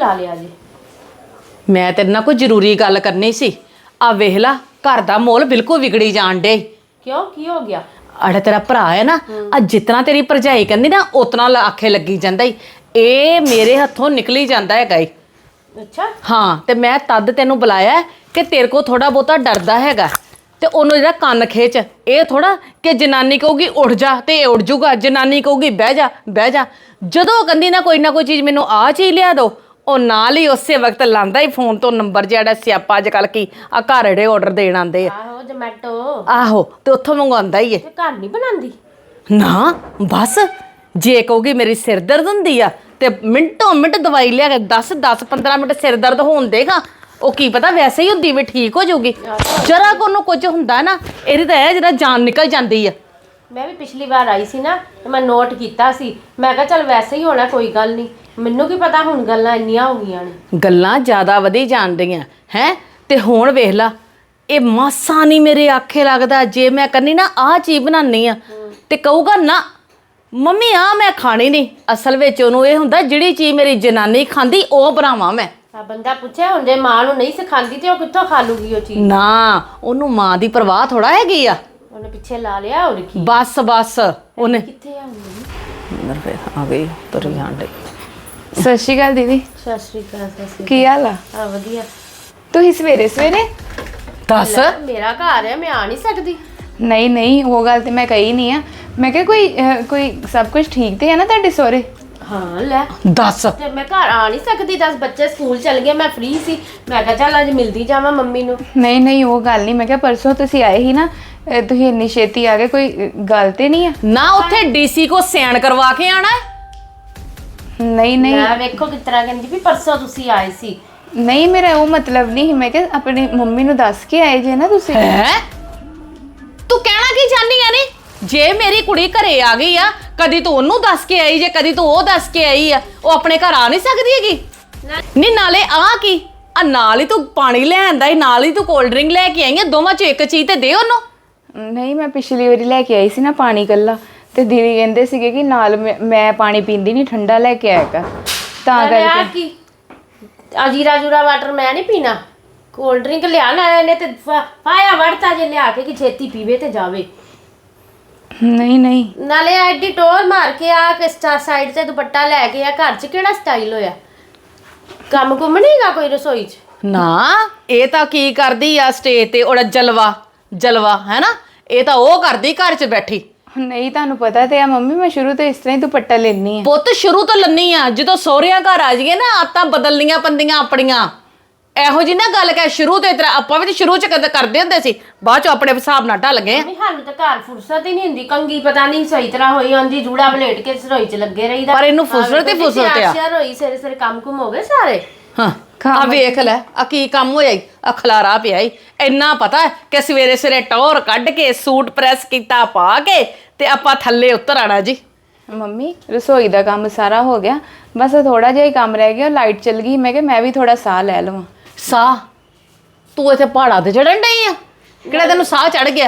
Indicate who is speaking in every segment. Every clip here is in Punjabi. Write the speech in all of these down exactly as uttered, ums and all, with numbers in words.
Speaker 1: ਬੁਲਾ ਲਿਆ ਜੀ?
Speaker 2: ਮੈਂ ਤੇਰੇ ਨਾਲ ਕੋਈ ਜ਼ਰੂਰੀ ਗੱਲ ਕਰਨੀ ਸੀ। ਆ ਵੇਖ ਲਾ ਘਰ ਦਾ ਮਾਹੌਲ ਬਿਲਕੁਲ ਵਿਗੜੀ ਜਾਣ ਡੇ।
Speaker 1: ਕਿਉਂ, ਕੀ ਹੋ ਗਿਆ?
Speaker 2: ਅੜਾ ਤੇਰਾ ਭਰਾ ਹੈ ਨਾ, ਆ ਜਿਤਨਾ ਤੇਰੀ ਭਰਜਾਈ ਕਹਿੰਦੀ ਨਾ ਉਤਨਾ ਆਖੇ ਲੱਗੀ ਜਾਂਦਾ ਈ। ਇਹ ਮੇਰੇ ਹੱਥੋਂ ਨਿਕਲੀ ਜਾਂਦਾ ਹੈਗਾ ਈ।
Speaker 1: ਅੱਛਾ।
Speaker 2: ਹਾਂ, ਤੇ ਮੈਂ ਤਦ ਤੈਨੂੰ ਬੁਲਾਇਆ ਕਿ ਤੇਰੇ ਕੋ ਥੋੜਾ ਬਹੁਤਾ ਡਰਦਾ ਹੈਗਾ ਤੇ ਉਹਨੂੰ ਜਿਹੜਾ ਕੰਨ ਖਿੱਚ। ਇਹ ਥੋੜਾ ਕਿ ਜਨਾਨੀ ਕਹੂਗੀ ਉੱਠ ਜਾ ਤੇ ਇਹ ਉੱਠ ਜੂਗਾ, ਜਨਾਨੀ ਕਹੂਗੀ ਬਹਿ ਜਾ ਬਹਿ ਜਾ। ਜਦੋਂ ਕਹਿੰਦੀ ਨਾ ਕੋਈ ਨਾ ਕੋਈ ਚੀਜ਼ ਮੈਨੂੰ ਆਹ ਚੀਜ਼ ਲਿਆ ਦੋ, ਉਹ ਨਾਲ ਹੀ ਉਸੇ ਵਕਤ ਲਾਂਦਾ ਹੀ ਫੋਨ ਤੋਂ ਨੰਬਰ ਜਿਹੜਾ ਸਿਆਪਾ ਅੱਜ ਕੱਲ ਕੀ ਆ ਘਰ ਜਿਹੜੇ ਆਰਡਰ ਦੇਣ ਆਉਂਦੇ ਆ।
Speaker 1: ਆਹੋ, ਜ਼ੋਮੈਟੋ।
Speaker 2: ਆਹੋ, ਤੇ ਉੱਥੋਂ ਮੰਗਵਾਉਂਦਾ ਹੀ ਏ।
Speaker 1: ਤੇ ਘਰ ਨਹੀਂ ਬਣਾਉਂਦੀ?
Speaker 2: ਨਾ ਬਸ, ਜੇ ਕਹੂਗੀ ਮੇਰੀ ਸਿਰ ਦਰਦ ਹੁੰਦੀ ਆ ਤੇ ਮਿੰਟੋ ਮਿੰਟ ਦਵਾਈ ਲਿਆ ਕੇ ਦਸ ਦਸ ਪੰਦਰਾਂ ਮਿੰਟ ਸਿਰ ਦਰਦ ਹੋਣ ਦੇਗਾ। ਉਹ ਕੀ ਪਤਾ ਵੈਸੇ ਹੀ ਹੁੰਦੀ ਵੀ ਠੀਕ ਹੋ ਜਾਊਗੀ। ਜਰਾ ਕੋ ਉਹਨੂੰ ਕੁਝ ਹੁੰਦਾ ਨਾ, ਇਹਦੀ ਤਾਂ ਇਹ ਜਿਹੜਾ ਜਾਨ ਨਿਕਲ ਜਾਂਦੀ ਆ।
Speaker 1: ਮੈਂ ਵੀ ਪਿਛਲੀ ਵਾਰ ਆਈ ਸੀ ਨਾ ਤੇ ਮੈਂ ਨੋਟ ਕੀਤਾ ਸੀ। ਮੈਂ ਕਿਹਾ ਚੱਲ ਵੈਸੇ ਹੀ ਹੋਣਾ, ਕੋਈ ਗੱਲ ਨਹੀਂ। ਮੈਨੂੰ ਕੀ ਪਤਾ ਹੁਣ ਗੱਲਾਂ ਇੰਨੀਆਂ ਹੋ ਗਈਆਂ ਨੇ।
Speaker 2: ਗੱਲਾਂ ਜ਼ਿਆਦਾ ਵਧੀ ਜਾਂਦੀਆਂ ਹੈ। ਤੇ ਹੁਣ ਵੇਖ ਲਾ, ਇਹ ਮਾਸਾ ਨਹੀਂ ਮੇਰੇ ਆਖੇ ਲੱਗਦਾ। ਜੇ ਮੈਂ ਕਹਿੰਦੀ ਨਾ ਆਹ ਚੀਜ਼ ਬਣਾਉਣੀ ਆ ਤੇ ਕਹੂਗਾ ਨਾ ਮੰਮੀ ਆ ਮੈਂ ਖਾਣੀ ਨਹੀਂ। ਅਸਲ ਵਿੱਚ ਉਹਨੂੰ ਇਹ ਹੁੰਦਾ ਜਿਹੜੀ ਚੀਜ਼ ਮੇਰੀ ਜਨਾਨੀ ਖਾਂਦੀ ਉਹ ਬਣਾਵਾਂ ਮੈਂ।
Speaker 1: ਆ ਬੰਦਾ ਪੁੱਛੇ ਹੁਣ ਜੇ ਮਾਂ ਨੂੰ ਨਹੀਂ ਸਿਖਾਉਂਦੀ ਤੇ ਉਹ ਕਿੱਥੋਂ ਖਾ ਲੂਗੀ ਉਹ ਚੀਜ਼?
Speaker 2: ਨਾ, ਉਹਨੂੰ ਮਾਂ ਦੀ ਪਰਵਾਹ ਥੋੜਾ ਹੈਗੀ ਆ।
Speaker 1: ਉਹਨੇ ਪਿੱਛੇ ਲਾ ਲਿਆ ਹੋਰ ਕੀ।
Speaker 2: ਬਸ ਬਸ ਉਹਨੇ
Speaker 1: ਕਿੱਥੇ ਆ ਮੰਮੀ?
Speaker 2: ਅੰਦਰ ਫੇਰ ਆ ਗਈ ਤੁਰ ਜਾਂਦੇ।
Speaker 3: ਸਤਿ ਸ਼੍ਰੀ ਅਕਾਲ ਦੀਦੀ।
Speaker 1: ਸਤਿ ਸ਼੍ਰੀ ਅਕਾਲ। ਸਤਿ ਸ਼੍ਰੀ
Speaker 3: ਕੀ ਹਾਲ ਆ?
Speaker 1: ਅਕਾਲ। ਆ ਵਧੀਆ।
Speaker 3: ਤੁਸੀਂ ਸਵੇਰੇ ਸਵੇਰੇ?
Speaker 2: ਦੱਸ।
Speaker 1: ਲੈ, ਮੇਰਾ ਘਰ ਹੈ, ਮੈਂ ਆ ਨਹੀਂ ਸਕਦੀ?
Speaker 3: ਨਹੀਂ ਨਹੀਂ, ਉਹ ਗੱਲ ਤੇ ਮੈਂ ਕਹੀ ਨਹੀਂ ਆ। ਮੈਂ ਕਿਹਾ ਕੋਈ ਅਹ, ਕੋਈ ਸਭ ਕੁਝ ਠੀਕ ਤੇ ਹੈ ਨਾ ਤੁਹਾਡੇ ਸਹੁਰੇ?
Speaker 1: ਹਾਂ ਲੈ
Speaker 2: ਦੱਸ।
Speaker 1: ਤੇ ਮੈਂ ਘਰ ਆ ਨਹੀਂ ਸਕਦੀ। ਦਸ ਬੱਚੇ ਸਕੂਲ ਚਲ ਗਏ, ਮੈਂ ਫ੍ਰੀ ਸੀ। ਮੈਂ ਕਿਹਾ ਚੱਲ ਅੱਜ ਮਿਲਦੀ ਜਾਵਾਂ ਮੰਮੀ ਨੂੰ।
Speaker 3: ਨਹੀਂ ਨਹੀਂ, ਉਹ ਗੱਲ ਨਹੀਂ। ਮੈਂ ਕਿਹਾ ਪਰਸੋਂ ਤੁਸੀਂ ਆਏ ਸੀ ਨਾ, ਅਹ, ਤੁਸੀਂ ਇੰਨੀ ਛੇਤੀ ਆ ਗਏ, ਕੋਈ ਅਹ, ਗੱਲ ਤੇ ਨਹੀਂ ਆ?
Speaker 2: ਨਾ ਉੱਥੇ ਡੀਸੀ ਕੋ ਸਿਆਣ ਕਰਵਾ ਕੇ ਆਣਾ ਹੈ।
Speaker 3: ਨਹੀਂ ਨਹੀਂ
Speaker 1: ਮੈਂ ਵੇਖੋ ਕਿਸ ਤਰ੍ਹਾਂ ਕਹਿੰਦੀ ਵੀ ਪਰਸੋਂ ਤੁਸੀਂ ਆਏ ਸੀ।
Speaker 3: ਨਹੀਂ, ਮੇਰਾ ਉਹ ਮਤਲਬ ਨਹੀਂ ਸੀ। ਮੈਂ ਕਿਹਾ ਆਪਣੀ ਮੰਮੀ ਨੂੰ ਦੱਸ ਕੇ ਆਏ ਜੇ ਨਾ ਤੁਸੀਂ।
Speaker 2: ਹੈ ਤੂੰ ਕਹਿਣਾ ਕੀ ਚਾਹਨੀ ਆ? ਨੀ ਜੇ ਮੇਰੀ ਕੁੜੀ ਘਰੇ ਆ ਗਈ ਆ, ਕਦੀ ਤੂੰ ਉਹਨੂੰ ਦੱਸ ਕੇ ਆਈ ਜੇ, ਕਦੀ ਤੂੰ ਉਹ ਦੱਸ ਕੇ ਆਈ ਆ। ਉਹ ਆਪਣੇ ਘਰ ਆ ਨਹੀਂ ਸਕਦੀ ਹੈਗੀ। ਨਹੀਂ ਨਾਲੇ ਆ ਕੀ ਆ, ਨਾਲ ਹੀ ਤੂੰ ਪਾਣੀ ਲੈ ਆਂਦਾ ਹੀ, ਨਾਲ ਹੀ ਤੂੰ ਕੋਲਡ ਡਰਿੰਕ ਲੈ ਕੇ ਆਈ ਆ। ਦੋਵਾਂ ਚੋਂ ਇੱਕ ਚੀਜ਼ ਤੇ ਦੇ ਉਹਨੂੰ।
Speaker 3: ਨਹੀਂ, ਮੈਂ ਪਿਛਲੀ ਵਾਰੀ ਲੈ ਕੇ ਆਈ ਸੀ ਨਾ ਪਾਣੀ ਕੱਲਾ, ਤੇ ਦੀਦੀ ਕਹਿੰਦੇ ਸੀਗੇ ਕਿ ਨਾਲ ਮੈਂ- ਮੈਂ ਪਾਣੀ ਪੀਂਦੀ ਨਹੀਂ, ਠੰਡਾ ਲੈ ਕੇ ਆਇਆ ਕਰ, ਤਾਂ
Speaker 1: ਆ
Speaker 3: ਕਰਕੇ।
Speaker 1: ਕੀ ਆ ਜੀਰਾ ਜੂਰਾ ਵਾਟਰ ਮੈਂ ਨਹੀਂ ਪੀਣਾ। ਕੋਲਡ ਡਰਿੰਕ ਲਿਆ ਨਾ ਇਹਨੇ ਤੇ ਫਾਇਆ ਵੜਤਾ ਜੇ ਲਿਆ ਕੇ ਕਿ ਛੇਤੀ ਪੀਵੇ ਤੇ ਜਾਵੇ।
Speaker 3: ਨਹੀਂ ਨਹੀਂ
Speaker 1: ਨਾਲੇ ਐਡੀ ਟੋਰ ਮਾਰ ਕੇ ਆ ਕਿ ਸਾਈਡ ਤੇ ਦੁਪੱਟਾ ਲੈ ਕੇ ਆ। ਘਰ 'ਚ ਕਿਹੜਾ ਸਟਾਈਲ ਹੋਇਆ? ਕੰਮ ਕੁੰਮ ਨਹੀਂਗਾ ਕੋਈ ਰਸੋਈ 'ਚ?
Speaker 2: ਨਾ ਇਹ ਤਾਂ ਕੀ ਕਰਦੀ ਆ ਸਟੇਜ ਤੇ, ਉਹਦਾ ਜਲਵਾ ਜਲਵਾ ਹੈ ਨਾ। ਇਹ ਤਾਂ ਉਹ ਕਰਦੀ ਘਰ 'ਚ ਬੈਠੀ।
Speaker 3: ਨਹੀਂ, ਤੁਹਾਨੂੰ ਪਤਾ ਤੇ ਆ ਮੰਮੀ, ਮੈਂ ਸ਼ੁਰੂ ਤੋਂ ਇਸ ਤਰ੍ਹਾਂ ਹੀ ਦੁਪੱਟਾ ਲੈਣੀ ਆ।
Speaker 2: ਪੁੱਤ ਸ਼ੁਰੂ ਤੋਂ ਲੰਨੀ ਆ, ਜਦੋਂ ਸਹੁਰਿਆਂ ਘਰ ਆ ਜਾਈਏ ਨਾ ਆਤਾਂ ਬਦਲਣੀਆਂ ਪੰਦੀਆਂ ਆਪਣੀਆਂ। ਇਹੋ ਜੀ ਨਾ ਗੱਲ ਕਹਿ, ਸ਼ੁਰੂ ਤੋਂ ਇਤਰਾ ਆਪਾਂ ਵੀ ਸ਼ੁਰੂ ਚ ਕਦੇ ਕਰਦੇ ਹੁੰਦੇ ਸੀ, ਬਾਅਦ ਚ ਆਪਣੇ ਹਿਸਾਬ ਨਾਲ ਢਲ ਗਏ।
Speaker 1: ਨਹੀਂ, ਸਾਨੂੰ ਤਾਂ ਘਰ ਫੁਰਸਤ ਹੀ ਨਹੀਂ ਹੁੰਦੀ। ਕੰਗੀ ਪਤਾ ਨਹੀਂ ਸਹੀ ਤਰ੍ਹਾਂ ਹੋਈ ਹੁੰਦੀ, ਜੂੜਾ ਬਲੇਟ ਕੇ ਰਸੋਈ 'ਚ ਲੱਗੇ ਰਹੀਦਾ।
Speaker 2: ਪਰ ਇਹਨੂੰ ਫੁਰਸਤ ਹੀ ਫੁਰਸਤ ਆ।
Speaker 1: ਸਿਰ ਹੋਈ ਸਿਰੇ ਸਿਰੇ ਕੰਮ ਕੁਮ ਹੋ ਗਏ ਸਾਰੇ।
Speaker 2: ਹਾਂ, ਆ ਵੇਖ ਲੈ ਆ ਕੀ ਕੰਮ ਹੋਇਆ ਈ, ਆ ਖਲਾਰਾ ਪਿਆ ਈ। ਇੰਨਾ ਪਤਾ ਕਿ ਸਵੇਰੇ ਸਵੇਰੇ ਟੌਰ ਕੱਢ ਕੇ ਸੂਟ ਪ੍ਰੈਸ ਕੀਤਾ ਪਾ ਕੇ ਤੇ ਆਪਾਂ ਥੱਲੇ ਉਤਰ ਆਣਾ ਜੀ।
Speaker 3: ਮੰਮੀ, ਰਸੋਈ ਦਾ ਕੰਮ ਸਾਰਾ ਹੋ ਗਿਆ, ਬਸ ਥੋੜਾ ਜਿਹਾ ਹੀ ਕੰਮ ਰਹਿ ਗਿਆ। ਲਾਈਟ ਚਲ ਗਈ, ਮੈਂ ਕਿਹਾ ਮੈਂ ਵੀ ਥੋੜਾ ਸਾਹ ਲੈ ਲਵਾਂ।
Speaker 2: ਸਾਹ? ਤੂੰ ਇੱਥੇ ਪਹਾੜਾਂ ਤੇ ਚੜਨ ਡਈ ਆ? ਕਿਹੜਾ ਤੈਨੂੰ ਸਾਹ ਚੜ ਗਿਆ?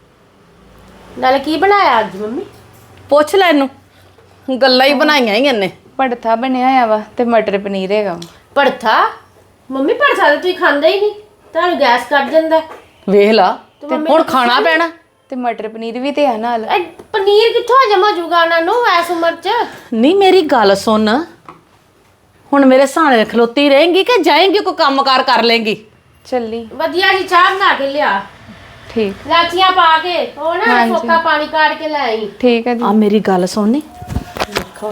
Speaker 1: ਨਾਲੇ ਕੀ ਬਣਾਇਆ ਅੱਜ ਮੰਮੀ?
Speaker 2: ਪੁੱਛ ਲੈ ਇਹਨੂੰ, ਗੱਲਾਂ ਹੀ ਬਣਾਈਆਂ ਹੀ ਇਹਨੇ।
Speaker 3: ਭੜਥਾ ਬਣਿਆ ਹੋਇਆ ਵਾ ਤੇ ਮਟਰ ਪਨੀਰ ਹੈਗਾ ਵਾ।
Speaker 1: ਭੜਥਾ? ਮੰਮੀ ਭੜਥਾ ਤਾਂ ਤੁਸੀਂ ਖਾਂਦੇ ਹੀ ਨਹੀਂ, ਤੁਹਾਨੂੰ ਗੈਸ ਕੱਢ ਜਾਂਦਾ।
Speaker 2: ਵੇਖ ਲਾ, ਹੁਣ ਖਾਣਾ ਪੈਣਾ।
Speaker 3: ਤੇ ਮਟਰ ਪਨੀਰ ਵੀ ਤੇ ਆ ਨਾਲ।
Speaker 1: ਇਹ ਪਨੀਰ ਕਿੱਥੋਂ ਜਮਾ ਜੂਗਾ ਉਹਨਾਂ ਨੂੰ ਐਸ ਉਮਰ 'ਚ?
Speaker 2: ਨਹੀਂ ਮੇਰੀ ਗੱਲ ਸੁਣ, ਹੁਣ ਮੇਰੇ ਸਾਹਣੇ ਖਲੋਤੀ ਰਹੇਂਗੀ ਕਿ ਜਾਏਂਗੀ ਕੋਈ ਕੰਮਕਾਰ ਕਰ ਲੇਂਗੀ?
Speaker 3: ਚੱਲੀ।
Speaker 1: ਵਧੀਆ ਜੀ ਚਾਹ ਬਣਾ ਕੇ ਲਿਆ,
Speaker 3: ਠੀਕ
Speaker 1: ਲਾਚੀਆਂ ਪਾ ਕੇ। ਉਹ ਨਾ ਫੋਕਾ ਪਾਣੀ ਕਾੜ ਕੇ ਲੈ ਆਈ।
Speaker 3: ਠੀਕ ਹੈ ਜੀ।
Speaker 2: ਆ ਮੇਰੀ ਗੱਲ ਸੁਣਨੀ,
Speaker 1: ਦੇਖੋ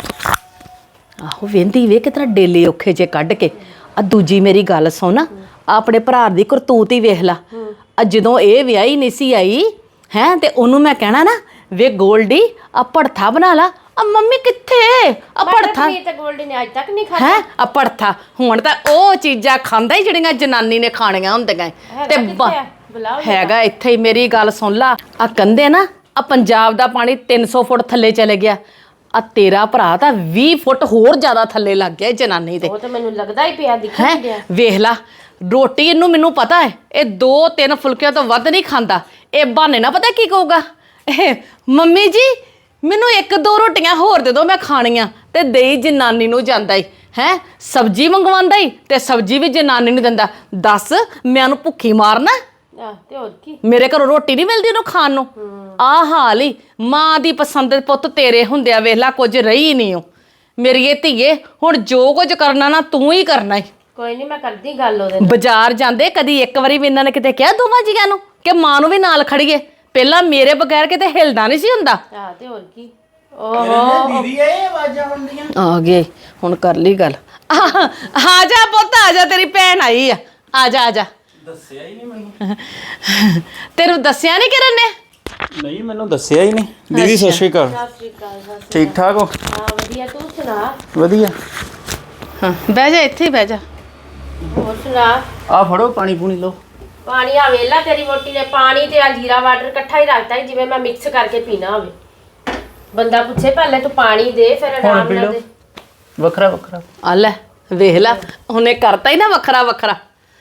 Speaker 2: ਆਹੋ ਵੇਂਦੀ ਵੇ ਕਿਤਨਾ ਡੇਲੇ ਔਖੇ ਜੇ ਕੱਢ ਕੇ। ਆ ਦੂਜੀ ਮੇਰੀ ਗੱਲ ਸੁਣ, ਆਪਣੇ ਭਰਾ ਦੀ ਕਰਤੂਤ ਹੀ ਵੇਖ ਲਾ। ਆ ਜਦੋਂ ਇਹ ਵਿਆਹੀ ਨਹੀਂ ਸੀ ਆਈ ਹੈ ਤੇ ਉਹਨੂੰ ਮੈਂ ਕਹਿਣਾ ਨਾ, ਵੇ ਗੋਲਡੀ ਆ ਭੜਥਾ ਬਣਾ ਲਾ। ਆ ਮੰਮੀ ਕਿੱਥੇ ਆ ਭੜਥਾ?
Speaker 1: ਤੇ ਗੋਲਡੀ ਨੇ ਅੱਜ ਤੱਕ ਨਹੀਂ ਖਾਧਾ।
Speaker 2: ਹੈ ਆ ਭੜਥਾ ਹੁਣ ਤਾਂ ਉਹ ਚੀਜ਼ਾਂ ਖਾਂਦਾ ਹੀ ਜਿਹੜੀਆਂ ਜਨਾਨੀ ਨੇ ਖਾਣੀਆਂ ਹੁੰਦੀਆਂ ਤੇ ਬ- ਹੈਗਾ ਇੱਥੇ ਹੀ। ਮੇਰੀ ਗੱਲ ਸੁਣ ਲਾ, ਆ ਕਹਿੰਦੇ ਨਾ ਆ ਪੰਜਾਬ ਦਾ ਪਾਣੀ ਤਿੰਨ ਸੌ ਫੁੱਟ ਥੱਲੇ ਚਲੇ ਗਿਆ, ਆ ਤੇਰਾ ਭਰਾ ਤਾਂ ਵੀਹ ਫੁੱਟ ਹੋਰ ਜ਼ਿਆਦਾ ਥੱਲੇ ਲੱਗ ਗਿਆ ਜਨਾਨੀ ਦੇ।
Speaker 1: ਉਹ ਤਾਂ ਮੈਨੂੰ ਲੱਗਦਾ ਹੀ ਪਿਆ, ਦਿਖਣ
Speaker 2: ਹੈ
Speaker 1: ਡਿਆ।
Speaker 2: ਵੇਖ ਲਾ, ਰੋਟੀ ਇਹਨੂੰ ਮੈਨੂੰ ਪਤਾ ਹੈ ਇਹ ਦੋ ਤਿੰਨ ਫੁਲਕਿਆਂ ਤੋਂ ਵੱਧ ਨਹੀਂ ਖਾਂਦਾ। ਇਹ ਬਹਾਨੇ ਨਾ ਪਤਾ ਕੀ ਕਹੂਗਾ, ਇਹ ਮੰਮੀ ਜੀ ਮੈਨੂੰ ਇੱਕ ਦੋ ਰੋਟੀਆਂ ਹੋਰ ਦੇ ਦਿਓ ਮੈਂ ਖਾਣੀਆਂ ਤੇ ਦੇਈ ਜਨਾਨੀ ਨੂੰ ਜਾਂਦਾ ਈ ਹੈ ਸਬਜ਼ੀ ਮੰਗਵਾਉਂਦਾ ਈ ਤੇ ਸਬਜ਼ੀ ਵੀ ਜਨਾਨੀ ਨੂੰ ਦਿੰਦਾ ਦੱਸ ਮੈਂ ਉਹਨੂੰ ਭੁੱਖੀ ਮਾਰਨਾ
Speaker 1: ਆ ਤੇ ਹੋਰ ਕੀ
Speaker 2: ਮੇਰੇ ਘਰੋਂ ਰੋਟੀ ਨਹੀਂ ਮਿਲਦੀ ਉਹਨੂੰ ਖਾਣ ਨੂੰ ਆਹ ਹਾਲ ਹੀ ਮਾਂ ਦੀ ਪਸੰਦ ਦੇ ਪੁੱਤ ਤੇਰੇ ਹੁੰਦਿਆ ਵੇਖ ਲਾ ਕੁਝ ਰਹੀ ਨਹੀਂ ਉਹ ਮੇਰੀ ਇਹ ਧੀਏ ਹੁਣ ਜੋ ਕੁਝ ਕਰਨਾ ਨਾ ਤੂੰ ਹੀ ਕਰਨਾ ਈ
Speaker 1: ਕੋਈ ਨਹੀਂ ਮੈਂ ਕਰਦੀ ਗੱਲ ਉਹਦੇ ਨਾਲ
Speaker 2: ਬਾਜ਼ਾਰ ਜਾਂਦੇ ਕਦੀ ਇੱਕ ਵਾਰੀ ਵੀ ਇਹਨਾਂ ਨੇ ਕਿਤੇ ਕਿਹਾ ਦੋਵਾਂ ਜੀਆਂ ਨੂੰ ਕਿ ਮਾਂ ਨੂੰ ਵੀ ਨਾਲ ਖੜੀਏ ਪਹਿਲਾਂ ਮੇਰੇ ਬਗੈਰ ਕਿਤੇ ਹਿਲਦਾ ਨਹੀਂ ਸੀ ਹੁੰਦਾ
Speaker 1: ਆ ਤੇ ਹੋਰ ਕੀ ਓਹੋ
Speaker 4: ਦੀਦੀ ਇਹ ਆਵਾਜ਼ਾਂ ਆਉਂਦੀਆਂ
Speaker 2: ਆ ਗਏ ਹੁਣ ਕਰ ਲਈ ਗੱਲ ਆ ਜਾ ਪੁੱਤ ਆ ਜਾ ਤੇਰੀ ਭੈਣ ਆਈ ਆ ਆ ਜਾ ਆ ਜਾ
Speaker 4: ਦੱਸਿਆ ਹੀ ਨਹੀਂ ਮੈਨੂੰ
Speaker 2: ਤੈਨੂੰ ਦੱਸਿਆ ਨਹੀਂ ਕਿਰਨ ਨੇ
Speaker 4: ਨਹੀਂ ਮੈਨੂੰ ਦੱਸਿਆ ਹੀ ਨਹੀਂ ਦੀਦੀ ਸਤਿ ਸ਼੍ਰੀ ਅਕਾਲ
Speaker 1: ਸਤਿ ਸ਼੍ਰੀ ਅਕਾਲ ਬਸ
Speaker 4: ਠੀਕ ਠਾਕ ਹੋ
Speaker 1: ਹਾਂ ਵਧੀਆ ਤੂੰ ਸੁਣਾ
Speaker 4: ਵਧੀਆ
Speaker 2: ਹਾਂ ਬਹਿ ਜਾ ਇੱਥੇ ਹੀ ਬਹਿ ਜਾ
Speaker 1: ਹੋਰ ਸੁਣਾ
Speaker 4: ਆ ਫੜੋ ਪਾਣੀ ਪੂਣੀ ਲਓ
Speaker 1: ਪਾਣੀ ਆ ਵੇਲਾ ਤੇਰੀ ਵੋਟੀ ਨੇ ਪਾਣੀ ਤੇ ਆ ਜੀਰਾ ਵਾਟਰ ਇਕੱਠਾ ਹੀ ਰੱਖਤਾ ਸੀ ਜਿਵੇਂ ਮੈਂ ਮਿਕਸ ਕਰਕੇ ਪੀਣਾ ਹੋਵੇ ਬੰਦਾ ਪੁੱਛੇ ਪਹਿਲੇ ਤੂੰ ਪਾਣੀ ਦੇ ਫਿਰ
Speaker 4: ਹੁਣ
Speaker 1: ਆਰਾਮ
Speaker 4: ਪੀ
Speaker 1: ਨਾਲ
Speaker 4: ਲਓ
Speaker 1: ਦੇ
Speaker 4: ਵੱਖਰਾ ਵੱਖਰਾ
Speaker 2: ਆ ਲੈ ਵੇਖ ਲੈ ਉਹਨੇ ਕਰਤਾ ਹੀ ਨਾ ਵੱਖਰਾ ਵੱਖਰਾ